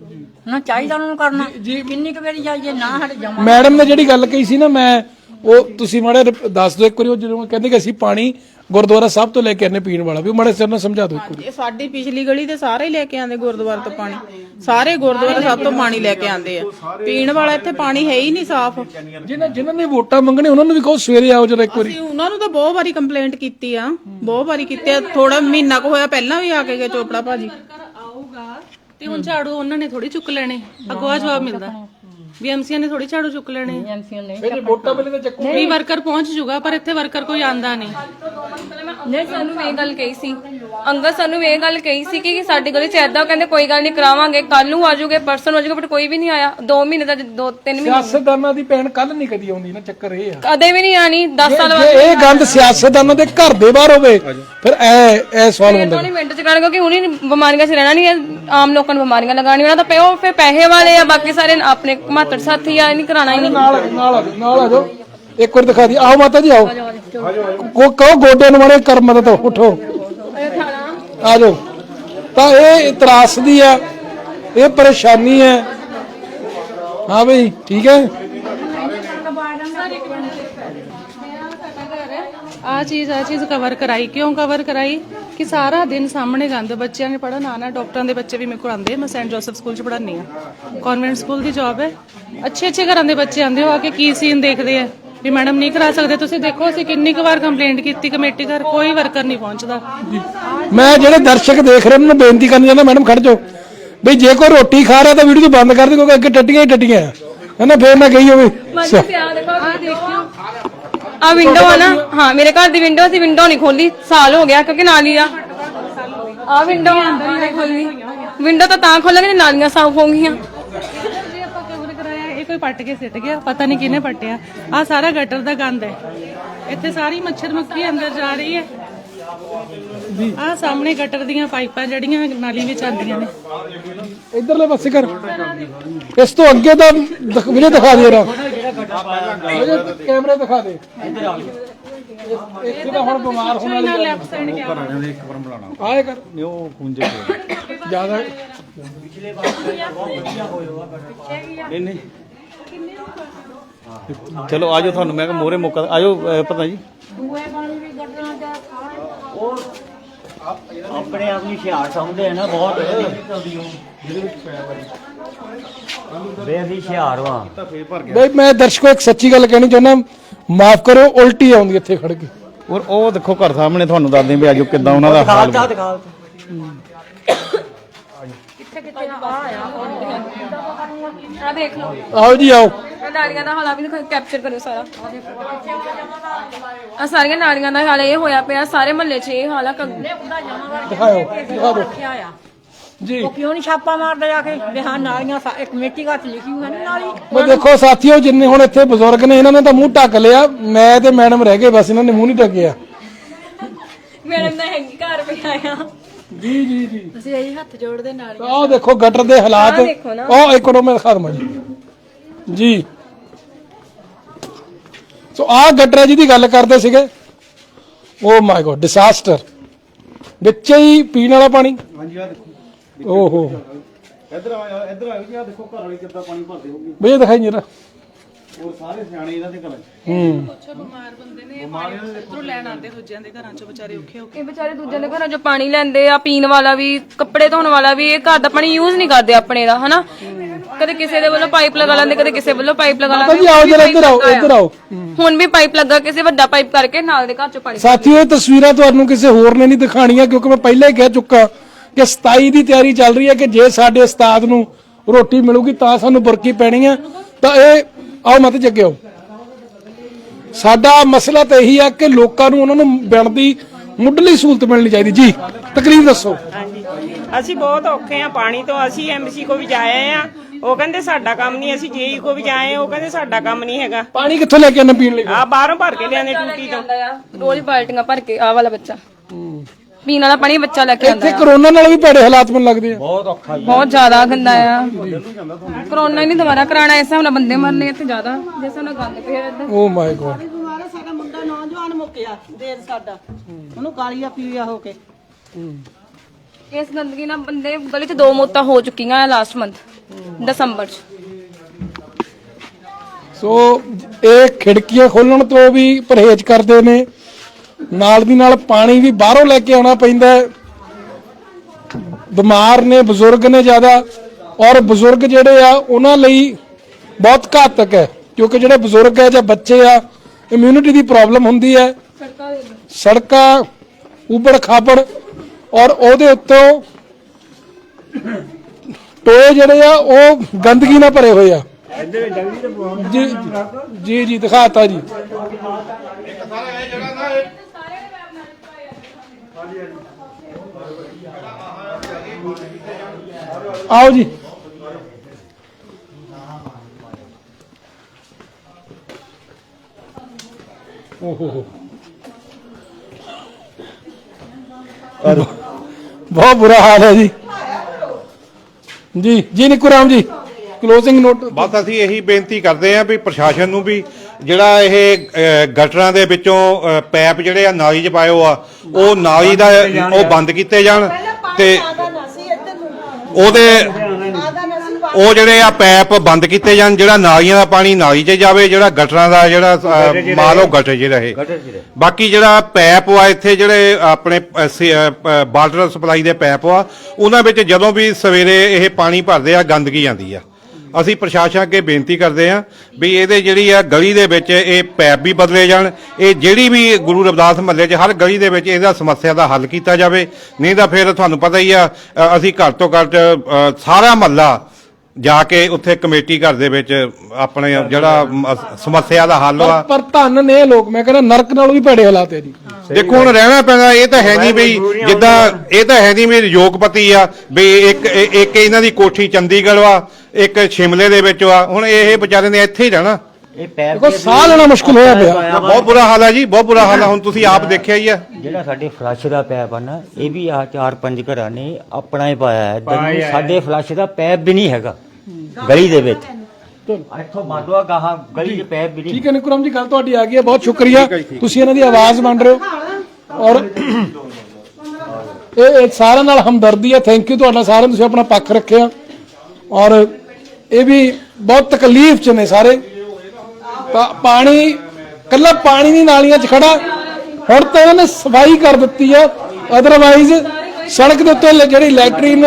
E: ਨਾ, ਚਾਹੀਦਾ ਉਹਨਾਂ ਨੂੰ ਕਰਨਾ। ਕਿੰਨੀ ਕੁ ਵਾਰੀ ਜਾਈਏ ਨਾ ਸਾਡੇ ਜਮਾ।
A: ਮੈਡਮ ਨੇ ਜਿਹੜੀ ਗੱਲ ਕਹੀ ਸੀ ਨਾ, ਮੈਂ ਉਹ ਤੁਸੀਂ ਮਾੜੇ ਦੱਸ ਦਿਓ ਇੱਕ ਵਾਰੀ, ਉਹ ਜਦੋਂ ਕਹਿੰਦੇ ਕਿ ਅਸੀਂ ਪਾਣੀ ਗੁਰਦੁਆਰਾ ਸਾਹਿਬ ਤੋਂ ਲੈ ਕੇ ਆਨੇ ਪੀਣ ਵਾਲਾ, ਵੀ ਮਾੜੇ ਸਿਰ ਨਾਲ ਸਮਝਾ ਦਿਓ ਇੱਕ ਵਾਰੀ।
B: ਇਹ ਸਾਡੀ ਪਿਛਲੀ ਗਲੀ ਦੇ ਸਾਰੇ ਹੀ ਲੈ ਕੇ ਆਂਦੇ ਗੁਰਦੁਆਰੇ ਤੋਂ ਪਾਣੀ, ਸਾਰੇ ਗੁਰਦੁਆਰਾ ਸਾਹਿਬ ਤੋਂ ਪਾਣੀ ਲੈ ਕੇ ਆਂਦੇ ਆ, ਪੀਣ ਵਾਲਾ ਇੱਥੇ ਪਾਣੀ ਹੈ ਹੀ ਨਹੀਂ ਸਾਫ਼।
A: ਜਿਹਨਾਂ ਜਿਨ੍ਹਾਂ ਨੇ ਵੋਟਾਂ ਮੰਗਣੇ ਉਹਨਾਂ ਨੂੰ ਵੀ ਕਹੋ ਸਵੇਰੇ ਆਓ ਜਰਾ ਇੱਕ ਵਾਰੀ।
B: ਅਸੀਂ ਉਹਨਾਂ ਨੂੰ ਤਾਂ ਬਹੁਤ ਵਾਰੀ ਕੰਪਲੇਂਟ ਕੀਤੀ ਆ, ਬਹੁਤ ਵਾਰੀ ਕੀਤੀ ਆ, ਥੋੜਾ ਮਹੀਨਾ ਕੁ ਹੋਇਆ ਪਹਿਲਾਂ ਵੀ ਆ ਕੇ ਗਏ ਚੋਪੜਾ ਭਾਜੀ।
D: ਆਊਗਾ ਤੇ ਹੁਣ ਝਾੜੂ ਉਹਨਾਂ ਨੇ ਥੋੜੀ ਚੁੱਕ ਲੈਣੇ, ਅੱਗੋਂ ਜਵਾਬ ਮਿਲਦਾ ਵੀ ਐਮਸੀਆਂ ਨੇ ਥੋੜੀ ਝਾੜੂ ਚੁੱਕ ਲੈਣੇ,
E: ਐਮਸੀਆਂ ਨੇ
A: ਫਿਰ ਵੋਟਾਂ ਵੇਲੇ ਤਾਂ ਚੱਕੋ
D: ਵੀ ਵਰਕਰ ਪਹੁੰਚ ਜੂਗਾ, ਪਰ ਇੱਥੇ ਵਰਕਰ ਕੋਈ ਆਂਦਾ ਨਹੀਂ।
C: ਨਹੀਂ ਸਾਨੂੰ ਇਹ ਗੱਲ ਕਹੀ ਸੀ ਅੰਗਦ, ਸਾਨੂੰ ਇਹ ਗੱਲ ਕਹੀ ਸੀ ਕਿ ਸਾਡੀ ਗਲੀ ਚ ਏਦਾਂ, ਕਹਿੰਦੇ ਕੋਈ ਗੱਲ ਨਹੀਂ ਕਰਾਵਾਂਗੇ, ਕੱਲ ਨੂੰ ਆਜੂਗੇ, ਪਰਸਨ ਆਜੂਗੇ, ਬਟ ਕੋਈ ਵੀ ਨਹੀਂ ਆਇਆ। ਦੋ ਮਹੀਨੇ ਦਾ ਦੋ ਤਿੰਨ ਮਹੀਨੇ
A: ਸਿਆਸਤਦਾਨਾਂ ਦੀ ਭੈਣ ਕੱਲ ਨਹੀਂ ਕਦੀ ਆਉਂਦੀ ਨਾ, ਚੱਕਰ ਇਹ ਆ
C: ਕਦੇ ਵੀ ਨਹੀਂ ਆਣੀ। ਦਸ ਸਾਲ
A: ਜੇ ਇਹ ਗੰਦ ਸਿਆਸਤਦਾਨਾਂ ਦੇ ਘਰ ਦੇ ਬਾਹਰ ਹੋਵੇ ਫਿਰ ਐ ਐ ਸਵਾਲ ਹੁੰਦਾ
C: ਨਹੀਂ ਮਿੰਟ ਚ ਕਰਨ, ਕਿਉਂਕਿ ਉਹਨੀ ਬਿਮਾਰੀਆਂ ਚ ਰਹਿਣਾ ਨਹੀਂ, ਆਮ ਲੋਕਾਂ ਨੂੰ ਬਿਮਾਰੀਆਂ ਲਗਾਉਣੀ, ਉਹਨਾਂ ਦਾ ਪਿਓ ਫਿਰ ਪੈਸੇ ਵਾਲੇ ਆ, ਬਾਕੀ ਸਾਰੇ ਆਪਣੇ ਮਾਤੜ ਸਾਥੀ ਆ, ਨਹੀਂ ਕਰਾਣਾ ਹੀ ਨਹੀਂ।
A: ਨਾਲ ਨਾਲ ਆ ਜਾਓ, ਨਾਲ ਆ ਜਾਓ, ਇੱਕ ਵਾਰ ਦਿਖਾ ਦੀ। ਆਓ ਮਾਤਾ ਜੀ, ਆਓ, ਕੋ ਕਹੋ ਗੋਡੇ ਨੂੰ ਮਾਰੇ ਕਰ ਮਦਦ, ਉਠੋ ਆ ਜਾਓ। ਤਾਂ ਇਹ ਤਰਾਸ ਦੀ ਆ, ਇਹ ਪਰੇਸ਼ਾਨੀ ਹੈ। ਹਾਂ ਬਈ ਠੀਕ ਹੈ।
D: ਆ ਚੀਜ਼ ਆ ਚੀਜ਼ ਕਵਰ ਕਰਾਈ, ਕਿਉਂ ਕਵਰ ਕਰਾਈ ਕਿ ਸਾਰਾ ਦਿਨ ਸਾਹਮਣੇ ਗੰਦ, ਬੱਚਿਆਂ ਨੇ ਪੜ੍ਹਨ ਆਉਣਾ, ਡਾਕਟਰਾਂ ਦੇ ਬੱਚੇ ਵੀ ਮੇਰੇ ਕੋਲ ਆਉਂਦੇ, ਮੈਂ ਸੈਂਟ ਜੋਸਫ ਸਕੂਲ 'ਚ ਪੜ੍ਹਾਉਂਦੀ ਹਾਂ, ਕਨਵੈਂਟ ਸਕੂਲ ਦੀ ਜੌਬ ਹੈ। ਅੱਛੇ ਅੱਛੇ ਘਰਾਂ ਦੇ ਬੱਚੇ ਆਉਂਦੇ ਹੋ ਆ ਕੇ ਕੀ ਸੀਨ ਦੇਖਦੇ ਆ ਵੀ ਮੈਡਮ ਨਹੀਂ ਕਰਾ ਸਕਦੇ ਤੁਸੀਂ। ਦੇਖੋ ਅਸੀਂ ਕਿੰਨੀ ਕੁ ਵਾਰ ਕੰਪਲੇਂਟ ਕੀਤੀ ਕਮੇਟੀ ਘਰ, ਕੋਈ ਵਰਕਰ ਨਹੀਂ ਪਹੁੰਚਦਾ।
A: ਮੈਂ ਜਿਹੜੇ ਦਰਸ਼ਕ ਦੇਖ ਰਹੇ ਉਹਨਾਂ ਨੂੰ ਬੇਨਤੀ ਕਰਨੀ ਚਾਹੁੰਦਾ, ਮੈਡਮ ਖੜ ਜਾਓ ਬਈ ਜੇ ਕੋਈ ਰੋਟੀ ਖਾ ਰਿਹਾ ਤਾਂ ਵੀਡੀਓ ਬੰਦ ਕਰ ਦੇ, ਕਿਉਂਕਿ ਅੱਗੇ ਟੱਟੀਆਂ ਹੀ ਟੱਟੀਆਂ ਹੈ ਨਾ, ਫੇਰ ਨਾ ਗਈ ਹੋਵੇ।
C: ਆ ਵਿੰਡੋ ਆ ਨਾ, ਹਾਂ ਮੇਰੇ ਘਰ ਦੀ ਵਿੰਡੋ ਸੀ, ਵਿੰਡੋ ਨਹੀਂ ਖੋਲੀ, ਸਾਲ ਹੋ ਗਿਆ ਕਿਉਂਕਿ ਨਾਲੀ ਆ ਆ ਵਿੰਡੋ ਅੰਦਰ ਹੀ ਖੋਲੀ, ਵਿੰਡੋ ਤਾਂ ਤਾਂ ਖੋਲਾਂਗੇ ਨਾਲੀਆਂ ਸਾਫ਼ ਹੋਣਗੀਆਂ।
D: ਜੇ ਆਪਾਂ ਕਵਰ ਕਰਾਇਆ ਇਹ ਕੋਈ ਪੱਟ ਕੇ ਸਿੱਟ ਗਿਆ, ਪਤਾ ਨਹੀਂ ਕਿਹਨੇ ਪੱਟਿਆ। ਆ ਸਾਰਾ ਗਟਰ ਦਾ ਗੰਦ ਹੈ, ਇੱਥੇ ਸਾਰੀ ਮੱਛਰ ਮੱਖੀ ਅੰਦਰ ਜਾ ਰਹੀ ਹੈ। ਆ ਸਾਹਮਣੇ ਗਟਰ ਦੀਆਂ ਪਾਈਪਾਂ ਜਿਹੜੀਆਂ ਨਾਲੀ ਵਿੱਚ ਆਉਂਦੀਆਂ ਨੇ,
A: ਇਧਰਲੇ ਪਾਸੇ ਕਰ, ਇਸ ਤੋਂ ਅੱਗੇ ਦਾ ਵੀਡੀਓ ਦਿਖਾ ਦੇ ਰਾ ਕੈਮਰਾ ਦਿਖਾ ਦੇ। ਇੱਥੇ ਤਾਂ ਹੁਣ ਬਿਮਾਰ ਹੋਣ ਵਾਲੀ ਗੱਲ
D: ਲੈਫਟ ਸਾਈਡ ਕਿਆ
A: ਆਏ ਕਰ
J: ਉਹ ਖੁੰਝੇ
A: ਜਿਆਦਾ
J: ਨਹੀਂ ਨਹੀਂ ਚਲੋ ਆਜੋ, ਤੁਹਾਨੂੰ ਮੈਂ ਕਿਹਾ ਮੋਰੇ ਮੌਕਾ ਆਜੋ, ਪਤਾ ਜੀ
G: ਆਪਣੇ ਆਪ ਨੂੰ ਹੁਸ਼ਿਆਰ ਸਮਝਦੇ ਆ ਨਾ, ਬਹੁਤ ਬੇਦੀ ਹੁਸ਼ਿਆਰ ਵਾ।
A: ਬਈ ਮੈਂ ਦਰਸ਼ਕੋ ਇੱਕ ਸੱਚੀ ਗੱਲ ਕਹਿਣੀ ਚਾਹੁੰਦਾ, ਮਾਫ ਕਰੋ ਉਲਟੀ ਆਉਂਦੀ ਇੱਥੇ ਖੜ ਕੇ।
J: ਔਰ ਉਹ ਦੇਖੋ ਘਰ ਸਾਹਮਣੇ ਤੁਹਾਨੂੰ ਦੱਸਦੇ ਵੀ ਆਜੋ ਕਿੱਦਾਂ ਉਹਨਾਂ ਦਾ ਹਾਲ
G: ਦਿਖਾ ਦਿਖਾ
C: ਆ ਦੇਖ ਲਓ,
A: ਆਓ ਜੀ ਆਓ।
C: ਨਾਲੀਆਂ ਦਾ ਹਾਲ ਵੀ ਕੈਪਚਰ ਕਰਿਓ ਸਾਰਾ। ਆ ਸਾਰੀਆਂ ਨਾਲੀਆਂ ਦਾ ਹਾਲ ਇਹ ਹੋਇਆ ਪਿਆ, ਸਾਰੇ ਮਹੱਲੇ 'ਚ ਇਹ ਹਾਲ ਆ।
A: ਦਿਖਾਓ ਦਿਖਾ ਦਿਓ ਜੀ।
E: ਉਹ ਕਿਉਂ ਨਹੀਂ ਛਾਪਾ ਮਾਰਦਾ ਜਾ ਕੇ ਵੀ ਹਾਂ ਨਾਲੀਆਂ ਸਾ- ਇੱਕ ਕਮੇਟੀ ਘਰ 'ਚ ਲਿਖੀ ਹੋਈ ਹੈ ਨਾ ਨਾਲੀ।
A: ਮੈਂ ਦੇਖੋ ਸਾਥੀਓ, ਜਿੰਨੇ ਹੁਣ ਇੱਥੇ ਬਜ਼ੁਰਗ ਨੇ ਇਹਨਾਂ ਨੇ ਤਾਂ ਮੂੰਹ ਢੱਕ ਲਿਆ, ਮੈਂ ਤੇ ਮੈਡਮ ਰਹਿ ਗਏ, ਬਸ ਇਹਨਾਂ ਨੇ ਮੂੰਹ ਨਹੀਂ ਢੱਕਿਆ।
C: ਮੈਡਮ ਦਾ ਹੈਗੀ ਘਰ ਪਿਆ ਆ।
A: ਜੀ ਜੀ ਜੀ
F: ਅਸੀਂ ਇਹੀ ਹੱਥ ਜੋੜਦੇ ਨਾਲ।
A: ਆਹ ਦੇਖੋ ਗਟਰ ਦੇ ਹਾਲਾਤ,
C: ਦੇਖੋ ਨਾ।
A: ਉਹ ਇੱਕ ਮਿੰਟ ਮੈਂ ਦਿਖਾ ਦਵਾਂ ਜੀ ਜੀ। ਸੋ ਆਹ ਗਟਰ ਹੈ ਜਿਹਦੀ ਗੱਲ ਕਰਦੇ ਸੀਗੇ, ਓ ਮਾਈ ਗੋਡ ਡਿਸਾਸਟਰ, ਵਿੱਚ ਹੀ ਪੀਣ ਵਾਲਾ ਪਾਣੀ।
J: ਹਾਂਜੀ ਆ ਦੇਖੋ,
A: ਓਹੋ
J: ਇੱਧਰ ਆਇਆ ਇੱਧਰ ਆਇਓ ਜੀ, ਆ ਦੇਖੋ ਘਰ ਵਾਲੀ ਕਿੱਦਾਂ ਪਾਣੀ ਭਰਦੇ ਹੋਗੇ।
A: ਬਈ ਇਹ ਦਿਖਾਈ ਜਰਾ।
J: ਔਰ ਸਾਰੇ ਸਿਆਣੇ ਇਹਨਾਂ ਦੇ ਘਰਾਂ 'ਚ।
A: ਹੂੰ
D: ਕੁਛ ਬਿਮਾਰ ਬੰਦੇ ਨੇ ਪਾਣੀ ਉੱਧਰੋਂ ਲੈਣ ਆਉਂਦੇ ਦੂਜਿਆਂ ਦੇ ਘਰਾਂ 'ਚੋਂ, ਵਿਚਾਰੇ ਔਖੇ ਹੋ ਕੇ।
C: ਇਹ ਵਿਚਾਰੇ ਦੂਜਿਆਂ ਦੇ ਘਰਾਂ 'ਚੋਂ ਪਾਣੀ ਲੈਂਦੇ ਆ, ਪੀਣ ਵਾਲਾ ਵੀ, ਕੱਪੜੇ ਧੋਣ ਵਾਲਾ ਵੀ। ਇਹ ਘਰ ਦਾ ਪਾਣੀ ਯੂਜ਼ ਨਹੀਂ ਕਰਦੇ ਆਪਣੇ ਦਾ, ਹਨਾ। ਕਦੇ ਕਿਸੇ ਦੇ ਵੱਲੋਂ ਪਾਈਪ ਲਗਾ ਲੈਂਦੇ, ਕਦੇ ਕਿਸੇ ਵੱਲੋਂ ਪਾਈਪ ਲਗਾ
A: ਜੀ ਆਓ ਜਰਾ ਇੱਧਰ ਆਓ, ਇੱਧਰ ਆਓ।
C: ਹੁਣ ਵੀ ਪਾਈਪ ਲੱਗਾ, ਕਿਸੇ ਵੱਡਾ ਪਾਈਪ ਕਰਕੇ ਨਾਲ ਦੇ ਘਰ 'ਚੋਂ ਪਾਣੀ।
A: ਸਾਥੀਓ ਇਹ ਤਸਵੀਰਾਂ ਤੁਹਾਨੂੰ ਕਿਸੇ ਹੋਰ ਨੇ ਨਹੀਂ ਦਿਖਾਣੀਆਂ, ਕਿਉਂਕਿ ਮੈਂ ਪਹਿਲਾਂ ਹੀ ਕਹਿ ਚੁੱਕਾ ਕਿ ਸਤਾਈ ਦੀ ਤਿਆਰੀ ਚੱਲ ਰਹੀ ਹੈ ਕਿ ਜੇ ਸਾਡੇ ਉਸਤਾਦ ਨੂੰ ਰੋਟੀ ਮਿਲੂਗੀ ਤਾਂ ਸਾਨੂੰ ਬੁਰਕੀ ਪੈਣੀ ਆ। ਤਾਂ ਇਹ ਆਓ ਮਤ ਜੱਗੇ ਆਓ। ਸਾਡਾ ਮਸਲਾ ਤਾਂ ਇਹੀ ਆ ਕਿ ਲੋਕਾਂ ਨੂੰ ਉਹਨਾਂ ਨੂੰ ਬਣਦੀ ਮੁੱਢਲੀ ਸਹੂਲਤ ਮਿਲਣੀ ਚਾਹੀਦੀ। ਜੀ ਤਕਲੀਫ ਦੱਸੋ।
K: ਹਾਂਜੀ ਅਸੀਂ ਬਹੁਤ ਔਖੇ ਆ ਪਾਣੀ ਤੋਂ। ਅਸੀਂ ਐਮਸੀ ਕੋ ਵੀ ਜਾਏ ਆ, ਉਹ ਕਹਿੰਦੇ ਸਾਡਾ ਕੰਮ ਨਹੀਂ। ਅਸੀਂ ਜੇਈ ਕੋ ਵੀ ਜਾਏ, ਉਹ ਕਹਿੰਦੇ ਸਾਡਾ ਕੰਮ ਨਹੀਂ ਹੈਗਾ।
A: ਪਾਣੀ ਕਿੱਥੋਂ ਲੈ ਕੇ ਆਣਾ ਪੀਣ ਲਈ?
K: ਆ ਬਾਹਰੋਂ ਭਰ ਕੇ ਲਿਆਂਦੇ ਟੂਟੀ ਤੋਂ।
C: ਰੋਜ਼ ਬਾਲਟੀਆਂ ਭਰ ਕੇ ਆਹ ਵਾਲਾ ਬੱਚਾ ਪੀਣ ਵਾਲਾ ਪਾਣੀ ਬੱਚਾ ਲੈ ਕੇ ਆਉਂਦਾ।
A: ਇੱਥੇ ਕਰੋਨਾ ਨਾਲ ਵੀ ਭੈੜੇ ਹਾਲਾਤ ਮੈਨੂੰ ਲੱਗਦੇ ਆ।
J: ਬਹੁਤ ਔਖਾ ਜੀ,
C: ਬਹੁਤ ਜ਼ਿਆਦਾ ਗੰਦਾ ਆ। ਕਰੋਨਾ ਹੀ ਨਹੀਂ ਦੁਬਾਰਾ ਕਰਾਣਾ, ਇਸ ਹਿਸਾਬ ਨਾਲ ਬੰਦੇ ਮਰਨੇ ਇੱਥੇ ਜ਼ਿਆਦਾ, ਜਿਸ ਹਿਸਾਬ ਨਾਲ ਗੰਦ ਪਿਆ ਇੱਧਰ।
A: Oh my god.
H: ਸਾਡਾ ਮੁੰਡਾ ਨੌਜਵਾਨ ਮੁੱਕਿਆ ਦੇਰ ਸਾਡਾ, ਉਹਨੂੰ ਕਾਲੀਆ ਪੀਲੀਆ ਹੋ ਕੇ।
C: ਇਸ ਗੰਦਗੀ ਨਾਲ ਬੰਦੇ ਗਲੀ 'ਚ ਦੋ ਮੌਤਾਂ ਹੋ ਚੁੱਕੀਆਂ ਲਾਸਟ ਮੰਥ ਦਸੰਬਰ 'ਚ।
A: ਸੋ ਇਹ ਖਿੜਕੀਆਂ ਖੋਲਣ ਤੋਂ ਵੀ ਪਰਹੇਜ਼ ਕਰਦੇ ਨੇ, ਨਾਲ ਦੀ ਨਾਲ ਪਾਣੀ ਵੀ ਬਾਹਰੋਂ ਲੈ ਕੇ ਆਉਣਾ ਪੈਂਦਾ ਹੈ। ਬਿਮਾਰ ਨੇ, ਬਜ਼ੁਰਗ ਨੇ ਜ਼ਿਆਦਾ, ਔਰ ਬਜ਼ੁਰਗ ਜਿਹੜੇ ਆ ਉਹਨਾਂ ਲਈ ਬਹੁਤ ਘਾਤਕ ਹੈ, ਕਿਉਂਕਿ ਜਿਹੜੇ ਬਜ਼ੁਰਗ ਹੈ ਜਾਂ ਬੱਚੇ ਆ, ਇਮਿਊਨਿਟੀ ਦੀ ਪ੍ਰੋਬਲਮ ਹੁੰਦੀ ਹੈ। ਸੜਕਾਂ ਉਬੜ ਖਾਬੜ, ਔਰ ਉਹਦੇ ਉੱਤੋਂ ਟੋਏ ਜਿਹੜੇ ਆ ਉਹ ਗੰਦਗੀ ਨਾਲ ਭਰੇ ਹੋਏ ਆ। ਜੀ ਜੀ ਜੀ ਦਿਖਾਤਾ ਜੀ। ਆਓ ਜੀ। ਓਹੋ ਬਹੁਤ ਬੁਰਾ ਹਾਲ ਹੈ ਜੀ। ਜੀ ਜੀ ਨਿੱਕੂ ਰਾਮ ਜੀ, ਕਲੋਜ਼ਿੰਗ ਨੋਟ।
I: ਬਸ ਅਸੀਂ ਇਹੀ ਬੇਨਤੀ ਕਰਦੇ ਹਾਂ ਵੀ ਪ੍ਰਸ਼ਾਸਨ ਨੂੰ ਵੀ ਜਿਹੜਾ ਇਹ ਅ, ਗਟਰਾਂ ਦੇ ਵਿੱਚੋਂ ਅ, ਪੈਪ ਜਿਹੜੇ ਆ ਨਾਲੀ 'ਚ ਪਾਏ ਹੋ ਆ, ਉਹ ਨਾਲੀ ਦਾ ਉਹ ਬੰਦ ਕੀਤੇ ਜਾਣ ਤੇ ਉਹਦੇ ਉਹ ਜਿਹੜੇ ਆ ਪੈਪ ਬੰਦ ਕੀਤੇ ਜਾਣ, ਜਿਹੜਾ ਨਾਲੀਆਂ ਦਾ ਪਾਣੀ ਨਾਲੀ 'ਚ ਜਾਵੇ, ਜਿਹੜਾ ਗਟਰਾਂ ਦਾ ਜਿਹੜਾ ਅ, ਮਾਲ ਉਹ ਗਟਰ 'ਚ ਰਹੇ। ਬਾਕੀ ਜਿਹੜਾ ਪੈਪ ਆ ਇੱਥੇ ਜਿਹੜੇ ਆਪਣੇ ਵਾਟਰ ਸਪਲਾਈ ਦੇ ਪੈਪ ਆ, ਉਹਨਾਂ ਵਿੱਚ ਜਦੋਂ ਵੀ ਸਵੇਰੇ ਇਹ ਪਾਣੀ ਭਰਦੇ ਆ ਗੰਦਗੀ ਆਉਂਦੀ ਆ। ਅਸੀਂ ਪ੍ਰਸ਼ਾਸਨ ਅੱਗੇ ਬੇਨਤੀ ਕਰਦੇ ਹਾਂ ਵੀ ਇਹਦੇ ਜਿਹੜੀ ਆ ਗਲੀ ਦੇ ਵਿੱਚ ਇਹ ਪੈਪ ਵੀ ਬਦਲੇ ਜਾਣ। ਇਹ ਜਿਹੜੀ ਵੀ ਗੁਰੂ ਰਵਿਦਾਸ ਮਹੱਲੇ 'ਚ ਹਰ ਗਲੀ ਦੇ ਵਿੱਚ ਇਹਦਾ ਸਮੱਸਿਆ ਦਾ ਹੱਲ ਕੀਤਾ ਜਾਵੇ, ਨਹੀਂ ਤਾਂ ਫਿਰ ਤੁਹਾਨੂੰ ਪਤਾ ਹੀ ਆ ਅ, ਅਸੀਂ ਘੱਟ ਤੋਂ ਘੱਟ ਅ, ਸਾਰਾ ਮਹੱਲਾ ਜਾ ਕੇ ਉੱਥੇ ਕਮੇਟੀ ਘਰ ਦੇ ਵਿੱਚ ਆਪਣੇ ਜਿਹੜਾ ਮ- ਸਮੱਸਿਆ ਦਾ ਹੱਲ ਆ।
A: ਪਰ ਧੰਨ ਨੇ ਇਹ ਲੋਕ, ਮੈਂ ਕਹਿੰਦਾ ਨਰਕ ਨਾਲੋਂ ਵੀ ਭੈੜੇ ਹਾਲਾਤ ਹੈ ਜੀ।
I: ਦੇਖੋ ਹੁਣ ਰਹਿਣਾ ਪੈਣਾ, ਇਹ ਤਾਂ ਹੈ ਨਹੀਂ ਬਈ ਜਿੱਦਾਂ ਇਹ ਤਾਂ ਹੈ ਨਹੀਂ ਵੀ ਯੋਗਪਤੀ ਆ ਵੀ ਇੱਕ ਇੱਕ ਇਹਨਾਂ ਦੀ ਕੋਠੀ ਚੰਡੀਗੜ੍ਹ ਵਾ, ਇੱਕ ਸ਼ਿਮਲੇ ਦੇ ਵਿੱਚ ਵਾ, ਹੁਣ ਇਹ ਵਿਚਾਰੇ ਨੇ ਇੱਥੇ ਹੀ ਰਹਿਣਾ।
G: ਇਹ ਪੈਪ
A: ਦੇਖੋ ਸਾਹ ਲੈਣਾ ਮੁਸ਼ਕਲ ਹੋਇਆ ਪਿਆ।
I: ਬਹੁਤ ਬੁਰਾ ਹਾਲ ਹੈ ਜੀ, ਬਹੁਤ ਬੁਰਾ ਹਾਲ ਹੈ। ਹੁਣ ਤੁਸੀਂ ਆਪ ਦੇਖਿਆ ਹੀ ਆ।
G: ਜਿਹੜਾ ਸਾਡੇ ਫਲੱਸ਼ ਦਾ ਪੈਪ ਆ ਨਾ, ਇਹ ਵੀ ਆ ਚਾਰ ਪੰਜ ਘਰਾਂ ਨੇ ਆਪਣਾ ਹੀ ਪਾਇਆ ਹੈ। ਇੱਧਰ ਨੂੰ ਸਾਡੇ ਫਲੱਸ਼ ਦਾ ਪੈਪ ਵੀ ਨਹੀਂ ਹੈਗਾ ਗਲੀ ਦੇ ਵਿੱਚ। ਇੱਥੋਂ ਮਾਡਵਾ ਗਾਹਾਂ ਗਲੀ 'ਚ ਪੈਪ ਵੀ ਨਹੀਂ।
A: ਠੀਕ ਹੈ ਨਿਕਰਮ ਜੀ, ਗੱਲ ਤੁਹਾਡੀ ਆ ਗਈ ਹੈ, ਬਹੁਤ ਸ਼ੁਕਰੀਆ। ਤੁਸੀਂ ਇਹਨਾਂ ਦੀ ਆਵਾਜ਼ ਬਣ ਰਹੇ ਹੋ ਔਰ ਇਹ ਸਾਰਿਆਂ ਨਾਲ ਹਮਦਰਦੀ ਹੈ। ਥੈਂਕ ਯੂ ਤੁਹਾਡਾ ਸਾਰਿਆਂ, ਤੁਸੀਂ ਆਪਣਾ ਪੱਖ ਰੱਖਿਆ ਔਰ ਇਹ ਵੀ ਬਹੁਤ ਤਕਲੀਫ 'ਚ ਨੇ ਸਾਰੇ। ਪਾ- ਪਾਣੀ ਕੱਲਾ ਪਾਣੀ ਨਹੀਂ ਨਾਲੀਆਂ 'ਚ ਖੜਾ, ਹੁਣ ਤਾਂ ਇਹਨਾਂ ਨੇ ਸਫਾਈ ਕਰ ਦਿੱਤੀ ਆ। ਅਦਰਵਾਈਜ਼ ਸੜਕ ਦੇ ਉੱਤੇ ਜਿਹੜੀ ਲੈਟਰੀਨ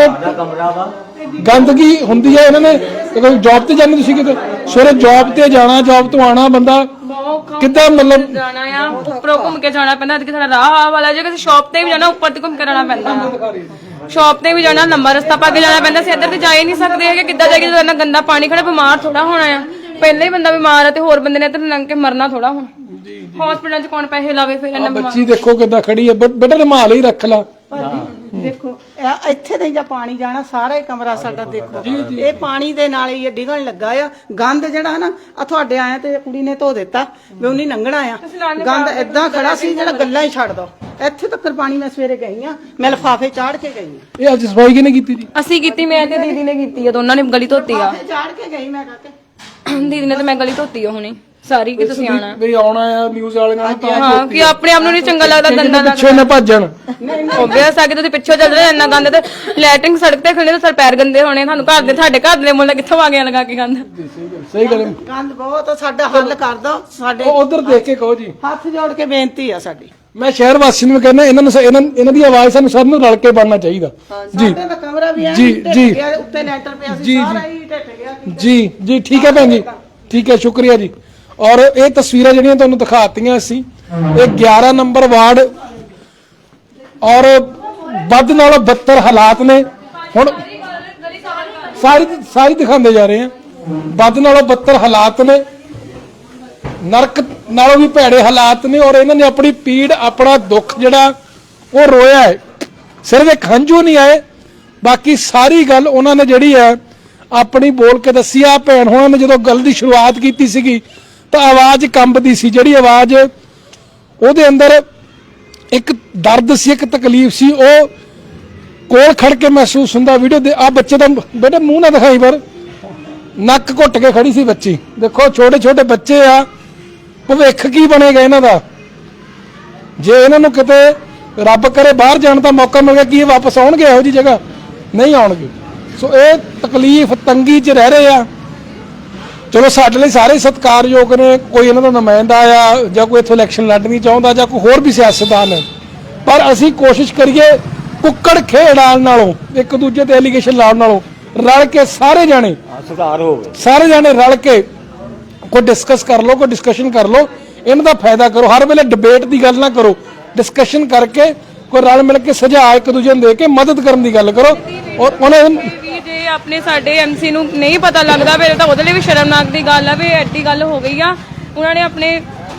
A: ਗੰਦਗੀ ਹੁੰਦੀ ਹੈ, ਇਹਨਾਂ ਨੇ ਕੋਈ ਜੌਬ ਤੇ ਜਾਂਦੇ, ਤੁਸੀਂ ਕਿਤੇ ਸਵੇਰੇ ਜੌਬ ਤੇ ਜਾਣਾ, ਜੌਬ ਤੋਂ ਆਣਾ, ਬੰਦਾ ਕਿੱਦਾਂ ਮਤਲਬ
C: ਜਾਣਾ ਆ ਉੱਪਰੋਂ ਘੁੰਮ ਕੇ ਜਾਣਾ ਪੈਂਦਾ। ਅੱਜ ਸਾਡਾ ਰਾਹ ਆਹ ਵਾਲਾ, ਜੇ ਕਿਸੇ ਸ਼ਾਪ ਤੇ ਵੀ ਜਾਣਾ ਉੱਪਰ ਤੇ ਘੁੰਮ ਕੇ ਜਾਣਾ ਪੈਂਦਾ। ਸ਼ਾਪ ਤੇ ਵੀ ਜਾਣਾ ਲੰਬਾ ਰਸਤਾ ਪਾ ਕੇ ਜਾਣਾ ਪੈਂਦਾ। ਅਸੀਂ ਇੱਧਰ ਤੇ ਜਾ ਹੀ ਨਹੀਂ ਸਕਦੇ ਹੈਗੇ। ਕਿੱਦਾਂ ਜਾਈਏ ਜਦੋਂ ਇੰਨਾ ਗੰਦਾ ਪਾਣੀ ਖੜਾ, ਬਿਮਾਰ ਥੋੜਾ ਹੋਣਾ ਆ। ਪਹਿਲਾਂ ਹੀ ਬੰਦਾ ਬਿਮਾਰ ਆ ਤੇ ਹੋਰ ਬੰਦੇ ਨੇ ਇੱਧਰ ਲੰਘ ਕੇ ਮਰਨਾ ਥੋੜਾ ਹੁਣ। ਹਸਪੀਟਲ 'ਚ ਕੌਣ ਪੈਸੇ ਲਾਵੇ ਫਿਰ ਇਹਨਾਂ ਬਿਮਾਰ।
A: ਬੱਚੀ ਦੇਖੋ ਕਿੱਦਾਂ ਖੜੀ ਹੈ, ਬੇਟਾ ਰੁਮਾਲ ਹੀ ਰੱਖ ਲਾ।
L: ਦੇਖੋ ਇਹ ਇੱਥੇ ਤੇ ਜਾਂ ਪਾਣੀ ਜਾਣਾ, ਸਾਰਾ ਹੀ ਕਮਰਾ ਸਾਡਾ ਦੇਖੋ ਇਹ ਪਾਣੀ ਦੇ ਨਾਲ ਹੀ ਇਹ ਡਿੱਗਣ ਲੱਗਾ ਆ। ਗੰਦ ਜਿਹੜਾ ਨਾ ਆ ਤੁਹਾਡੇ ਆਇਆ ਤੇ ਕੁੜੀ ਨੇ ਧੋ ਦਿੱਤਾ ਵੀ ਉਹਨੇ ਲੰਘਣਾ ਆ। ਗੰਦ ਏਦਾਂ ਖੜਾ ਸੀ ਜਿਹੜਾ ਗੱਲਾਂ ਹੀ ਛੱਡ ਦੋ। ਇੱਥੇ ਤੱਕ ਪਾਣੀ ਮੈਂ ਸਵੇਰੇ ਗਈ ਆ, ਮੈਂ ਲਿਫਾਫੇ ਚਾੜ ਕੇ ਗਈ ਆ।
A: ਇਹ ਅੱਜ ਸਫਾਈ ਕਿਹਨੇ ਕੀਤੀ ਜੀ?
C: ਅਸੀਂ ਕੀਤੀ, ਮੈਂ ਤੇ ਦੀਦੀ ਨੇ ਕੀਤੀ ਆ, ਦੋਨਾਂ ਨੇ ਗਲੀ ਧੋਤੀ ਆ।
L: ਚਾੜ ਕੇ ਗਈ ਮੈਂ ਕਾਕੇ,
C: ਦੀਦੀ ਨੇ ਤੇ ਮੈਂ ਗਲੀ ਧੋਤੀ ਆ ਹੁਣੇ ਸਾਰੀ। ਕਿ ਤੁਸੀਂ ਆਣਾ
A: ਵੀ ਆਉਣਾ ਆ ਨਿਊਜ਼ ਵਾਲੇ ਨਾਲ ਤਾਂ
C: ਹਾਂ, ਕਿ ਆਪਣੇ ਆਪ ਨੂੰ ਨਹੀਂ ਚੰਗਾ ਲੱਗਦਾ, ਗੰਦਾ ਲੱਗਦਾ।
A: ਪਿੱਛੇ ਨਾ ਭੱਜਣ।
C: ਓਬਵੀਅਸ ਆ ਕਿ ਤੁਸੀਂ ਪਿੱਛੋਂ ਚੱਲ ਰਹੇ ਇੰਨਾ ਗੰਦ ਤੇ ਲੈਟਰਿੰਗ ਸੜਕ ਤੇ ਖੜੇ ਤੇ ਸਰ ਪੈਰ ਗੰਦੇ ਹੋਣੇ। ਤੁਹਾਨੂੰ ਘਰ ਦੇ ਤੁਹਾਡੇ ਘਰ ਦੇ ਮੁੱਲ ਕਿੱਥੋਂ ਆ ਗਿਆ ਲਗਾ ਕੇ ਗੰਦ।
A: ਸਹੀ ਗੱਲ ਹੈ।
L: ਗੰਦ ਬਹੁਤ ਆ, ਸਾਡਾ ਹੱਲ ਕਰ ਦੋ। ਸਾਡੇ
A: ਉਧਰ ਦੇਖ ਕੇ ਕਹੋ ਜੀ,
L: ਹੱਥ ਜੋੜ ਕੇ ਬੇਨਤੀ ਆ ਸਾਡੀ।
A: ਮੈਂ ਸ਼ਹਿਰ ਵਾਸੀ ਨੂੰ ਕਹਿੰਦਾ ਇਹਨਾਂ ਨੂੰ ਇਹਨਾਂ ਇਹਨਾਂ ਦੀ ਆਵਾਜ਼ ਸਾਨੂੰ ਸਭ ਨੂੰ ਰਲ ਕੇ ਬਣਨਾ ਚਾਹੀਦਾ ਜੀ।
L: ਸਾਡੇ ਦਾ ਕਮਰਾ ਵੀ ਹੈ
A: ਜੀ ਜੀ
L: ਉੱਤੇ ਲੈਂਟਰ ਪਿਆ ਸੀ,
A: ਜੀ
L: ਸਾਰਾ ਹੀ ਢੱਟ ਗਿਆ।
A: ਜੀ ਜੀ ਠੀਕ ਹੈ ਭੈਣ ਜੀ, ਠੀਕ ਹੈ, ਸ਼ੁਕਰੀਆ ਜੀ। ਔਰ ਇਹ ਤਸਵੀਰਾਂ ਜਿਹੜੀਆਂ ਤੁਹਾਨੂੰ ਦਿਖਾਤੀਆਂ ਅਸੀਂ, ਇਹ ਗਿਆਰਾਂ ਨੰਬਰ ਵਾਰਡ ਔਰ ਵੱਧ ਨਾਲੋਂ ਬੱਤਰ ਹਾਲਾਤ ਨੇ। ਹੁਣ ਸਾਰੀ ਸਾਰੀ ਦਿਖਾਉਂਦੇ ਜਾ ਰਹੇ ਆ, ਵੱਧ ਨਾਲੋਂ ਬੱਤਰ ਹਾਲਾਤ ਨੇ, ਨਰਕ ਨਾਲੋਂ ਵੀ ਭੈੜੇ ਹਾਲਾਤ ਨੇ। ਔਰ ਇਹਨਾਂ ਨੇ ਆਪਣੀ ਪੀੜ, ਆਪਣਾ ਦੁੱਖ ਜਿਹੜਾ ਉਹ ਰੋਇਆ ਹੈ। ਸਿਰਫ ਇੱਕ ਹੰਝੂ ਨਹੀਂ ਆਏ, ਬਾਕੀ ਸਾਰੀ ਗੱਲ ਉਹਨਾਂ ਨੇ ਜਿਹੜੀ ਹੈ ਆਪਣੀ ਬੋਲ ਕੇ ਦੱਸੀ। ਆ ਭੈਣ ਹੋਣਾ ਨੇ ਜਦੋਂ ਗੱਲ ਦੀ ਸ਼ੁਰੂਆਤ ਕੀਤੀ ਸੀਗੀ ਤਾਂ ਆਵਾਜ਼ ਕੰਬਦੀ ਸੀ। ਜਿਹੜੀ ਆਵਾਜ਼ ਉਹਦੇ ਅੰਦਰ ਇੱਕ ਦਰਦ ਸੀ, ਇੱਕ ਤਕਲੀਫ ਸੀ, ਉਹ ਕੋਲ ਖੜ ਕੇ ਮਹਿਸੂਸ ਹੁੰਦਾ। ਵੀਡੀਓ ਦੇ ਆ ਬੱਚੇ ਦਾ ਬੇਟਾ ਮੂੰਹ ਨਾ ਦਿਖਾਈ, ਪਰ ਨੱਕ ਘੁੱਟ ਕੇ ਖੜੀ ਸੀ ਬੱਚੀ। ਦੇਖੋ ਛੋਟੇ ਛੋਟੇ ਬੱਚੇ ਆ, ਭਵਿੱਖ ਕੀ ਬਣੇਗਾ ਇਹਨਾਂ ਦਾ ਜੇ ਇਹਨਾਂ ਨੂੰ ਕਿਤੇ ਰੱਬ ਕਰੇ ਬਾਹਰ ਜਾਣ ਦਾ ਮੌਕਾ ਮਿਲ ਗਿਆ। ਕੀ ਇਹ ਵਾਪਸ ਆਉਣਗੇ ਇਹੋ ਜਿਹੀ ਜਗ੍ਹਾ? ਨਹੀਂ ਆਉਣਗੇ। ਸੋ ਇਹ ਤਕਲੀਫ ਤੰਗੀ 'ਚ ਰਹਿ ਰਹੇ ਆ। ਚਲੋ ਸਾਡੇ ਲਈ ਸਾਰੇ ਸਤਿਕਾਰਯੋਗ ਨੇ, ਕੋਈ ਇਹਨਾਂ ਦਾ ਨੁਮਾਇੰਦਾ ਆ ਜਾਂ ਕੋਈ ਇੱਥੋਂ ਇਲੈਕਸ਼ਨ ਲੜਨੀ ਚਾਹੁੰਦਾ ਜਾਂ ਕੋਈ ਹੋਰ ਵੀ ਸਿਆਸਤਦਾਨ ਹੈ, ਪਰ ਅਸੀਂ ਕੋਸ਼ਿਸ਼ ਕਰੀਏ ਕੁੱਕੜ ਖੇਡਾਲ ਨਾਲੋਂ, ਇੱਕ ਦੂਜੇ ਤੇ ਐਲੀਗੇਸ਼ਨ ਲਾਉਣ ਨਾਲੋਂ ਰਲ ਕੇ ਸਾਰੇ ਜਾਣੇ
G: ਸੁਧਾਰ ਹੋਵੇ।
A: ਸਾਰੇ ਜਾਣੇ ਰਲ ਕੇ ਕੋਈ ਡਿਸਕਸ ਕਰ ਲਓ, ਕੋਈ ਡਿਸਕਸ਼ਨ ਕਰ ਲਓ, ਇਹਨਾਂ ਦਾ ਫਾਇਦਾ ਕਰੋ। ਹਰ ਵੇਲੇ ਡਿਬੇਟ ਦੀ ਗੱਲ ਨਾ ਕਰੋ, ਡਿਸਕਸ਼ਨ ਕਰਕੇ ਕੋਈ ਰਲ ਮਿਲ ਕੇ ਸੁਝਾਅ ਇੱਕ ਦੂਜੇ ਨੂੰ ਦੇ ਕੇ ਮਦਦ ਕਰਨ ਦੀ ਗੱਲ ਕਰੋ। ਔਰ ਉਹਨਾਂ
C: ਜੇ ਆਪਣੇ ਸਾਡੇ ਐਮਸੀ ਨੂੰ ਨਹੀਂ ਪਤਾ ਲੱਗਦਾ ਫਿਰ ਤਾਂ ਉਹਦੇ ਲਈ ਵੀ ਸ਼ਰਮਨਾਕ ਦੀ ਗੱਲ ਆ ਵੀ ਐਡੀ ਗੱਲ ਹੋ ਗਈ ਆ। ਉਹਨਾਂ ਨੇ ਆਪਣੇ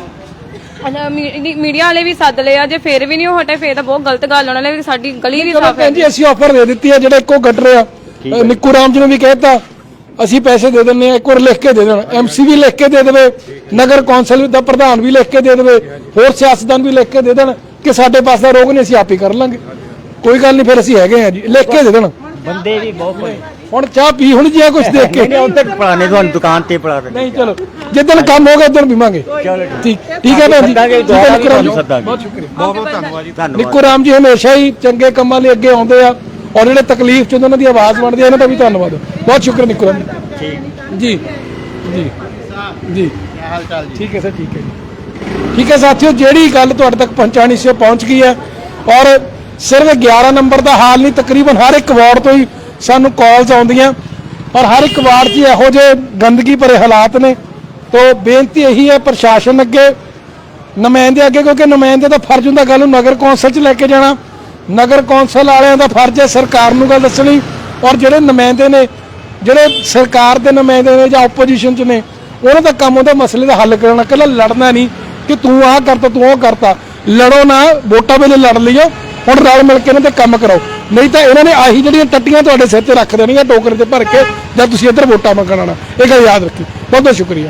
C: ਮੀਡੀਆ ਵਾਲੇ ਵੀ ਸੱਦ ਲਿਆ, ਜੇ ਫੇਰ ਵੀ ਨਹੀਂ ਉਹ ਹਟੇ ਫੇਰ ਤਾਂ ਬਹੁਤ ਗਲਤ ਗੱਲ। ਉਹਨਾਂ ਨੇ ਵੀ ਸਾਡੀ ਗਲੀ ਵੀ ਸਾਫ਼ ਹੈ
A: ਜੀ। ਅਸੀਂ ਆਫਰ ਦੇ ਦਿੱਤੀ ਹੈ, ਜਿਹੜਾ ਇੱਕੋ ਗਟਰ ਆ ਨਿੱਕੂ ਰਾਮ ਜੀ ਨੂੰ ਵੀ ਕਹਿਤਾ ਅਸੀਂ ਪੈਸੇ ਦੇ ਦਿੰਨੇ ਆ, ਇੱਕ ਵਾਰ ਲਿਖ ਕੇ ਦੇ ਦੇਣ, ਐਮਸੀ ਵੀ ਲਿਖ ਕੇ ਦੇ ਦੇਵੇ, ਨਗਰ ਕੌਂਸਲ ਦਾ ਪ੍ਰਧਾਨ ਵੀ ਲਿਖ ਕੇ ਦੇ ਦੇਵੇ, ਹੋਰ ਸਿਆਸਤਦਾਨ ਵੀ ਲਿਖ ਕੇ ਦੇ ਦੇਣ ਕਿ ਸਾਡੇ ਪਾਸ ਦਾ ਰੋਗ ਨਹੀਂ, ਅਸੀਂ ਆਪ ਹੀ ਕਰ ਲਾਂਗੇ, ਕੋਈ ਗੱਲ ਨਹੀਂ, ਫਿਰ ਅਸੀਂ ਹੈਗੇ ਆ ਜੀ, ਲਿਖ ਕੇ ਦੇ ਦੇਣ।
G: ਬੰਦੇ ਵੀ ਬਹੁਤ
A: ਹੁਣ ਚਾਹ ਪੀ ਹੁਣ ਜੀ ਕੁਝ ਦੇਖ ਕੇ
G: ਉੱਥੇ ਪੜਾਣੇ ਤੁਹਾਨੂੰ ਦੁਕਾਨ ਤੇ ਪੜਾ ਦੇ।
A: ਨਹੀਂ ਚਲੋ ਜਿੱਦਣ ਕੰਮ ਹੋ ਗਿਆ ਉਦੋਂ ਪੀਵਾਂਗੇ। ਠੀਕ ਠੀਕ ਹੈ ਭੈਣ ਜੀ, ਬਹੁਤ ਸ਼ੁਕਰੀਆ।
G: ਬਹੁਤ ਬਹੁਤ ਧੰਨਵਾਦ ਜੀ।
A: ਨਿੱਕੂ ਰਾਮ ਜੀ ਹਮੇਸ਼ਾ ਹੀ ਚੰਗੇ ਕੰਮਾਂ ਲਈ ਅੱਗੇ ਆਉਂਦੇ ਆ ਔਰ ਜਿਹੜੇ ਤਕਲੀਫ ਚ ਉਹਨਾਂ ਦੀ ਆਵਾਜ਼ ਬਣਦੀ ਹੈ, ਇਹਨਾਂ ਦਾ ਵੀ ਧੰਨਵਾਦ। ਬਹੁਤ ਸ਼ੁਕਰ ਨਿਕਰਨ ਜੀ ਜੀ ਜੀ ਠੀਕ ਹੈ ਸਰ, ਠੀਕ ਹੈ ਜੀ, ਠੀਕ ਹੈ ਸਾਥੀਓ, ਜਿਹੜੀ ਗੱਲ ਤੁਹਾਡੇ ਤੱਕ ਪਹੁੰਚਾਣੀ ਸੀ ਉਹ ਪਹੁੰਚ ਗਈ ਹੈ। ਔਰ ਸਿਰਫ ਗਿਆਰਾਂ ਨੰਬਰ ਦਾ ਹਾਲ ਨਹੀਂ, ਤਕਰੀਬਨ ਹਰ ਇੱਕ ਵਾਰਡ ਤੋਂ ਹੀ ਸਾਨੂੰ ਕਾਲਸ ਆਉਂਦੀਆਂ ਔਰ ਹਰ ਇੱਕ ਵਾਰਡ 'ਚ ਇਹੋ ਜਿਹੇ ਗੰਦਗੀ ਭਰੇ ਹਾਲਾਤ ਨੇ। ਤੋ ਬੇਨਤੀ ਇਹੀ ਹੈ ਪ੍ਰਸ਼ਾਸਨ ਅੱਗੇ, ਨੁਮਾਇੰਦੇ ਅੱਗੇ, ਕਿਉਂਕਿ ਨੁਮਾਇੰਦੇ ਦਾ ਫਰਜ਼ ਹੁੰਦਾ ਗੱਲ ਨੂੰ ਨਗਰ ਕੌਂਸਲ 'ਚ ਲੈ ਕੇ ਜਾਣਾ, ਨਗਰ ਕੌਂਸਲ ਵਾਲਿਆਂ ਦਾ ਫਰਜ਼ ਹੈ ਸਰਕਾਰ ਨੂੰ ਗੱਲ ਦੱਸਣੀ, ਔਰ ਜਿਹੜੇ ਨੁਮਾਇੰਦੇ ਨੇ, ਜਿਹੜੇ ਸਰਕਾਰ ਦੇ ਨੁਮਾਇੰਦੇ ਨੇ ਜਾਂ ਆਪੋਜੀਸ਼ਨ 'ਚ ਨੇ, ਉਹਨਾਂ ਦਾ ਕੰਮ ਹੁੰਦਾ ਮਸਲੇ ਦਾ ਹੱਲ ਕਰਨਾ, ਇਕੱਲਾ ਲੜਨਾ ਨਹੀਂ ਕਿ ਤੂੰ ਆਹ ਕਰਤਾ ਤੂੰ ਉਹ ਕਰਤਾ। ਲੜੋ ਨਾ, ਵੋਟਾਂ ਵੇਲੇ ਲੜ ਲਈਓ, ਹੁਣ ਰਲ ਮਿਲ ਕੇ ਇਹਨਾਂ ਤੇ ਕੰਮ ਕਰਾਓ, ਨਹੀਂ ਤਾਂ ਇਹਨਾਂ ਨੇ ਆਹੀ ਜਿਹੜੀਆਂ ਟੱਟੀਆਂ ਤੁਹਾਡੇ ਸਿਰ ਤੇ ਰੱਖ ਦੇਣੀਆਂ ਟੋਕਰੇ ਤੇ ਭਰ ਕੇ, ਜਦ ਤੁਸੀਂ ਇੱਧਰ ਵੋਟਾਂ ਮੰਗਣ ਆਉਣਾ। ਇਹ ਗੱਲ ਯਾਦ ਰੱਖੀ। ਬਹੁਤ ਬਹੁਤ ਸ਼ੁਕਰੀਆ।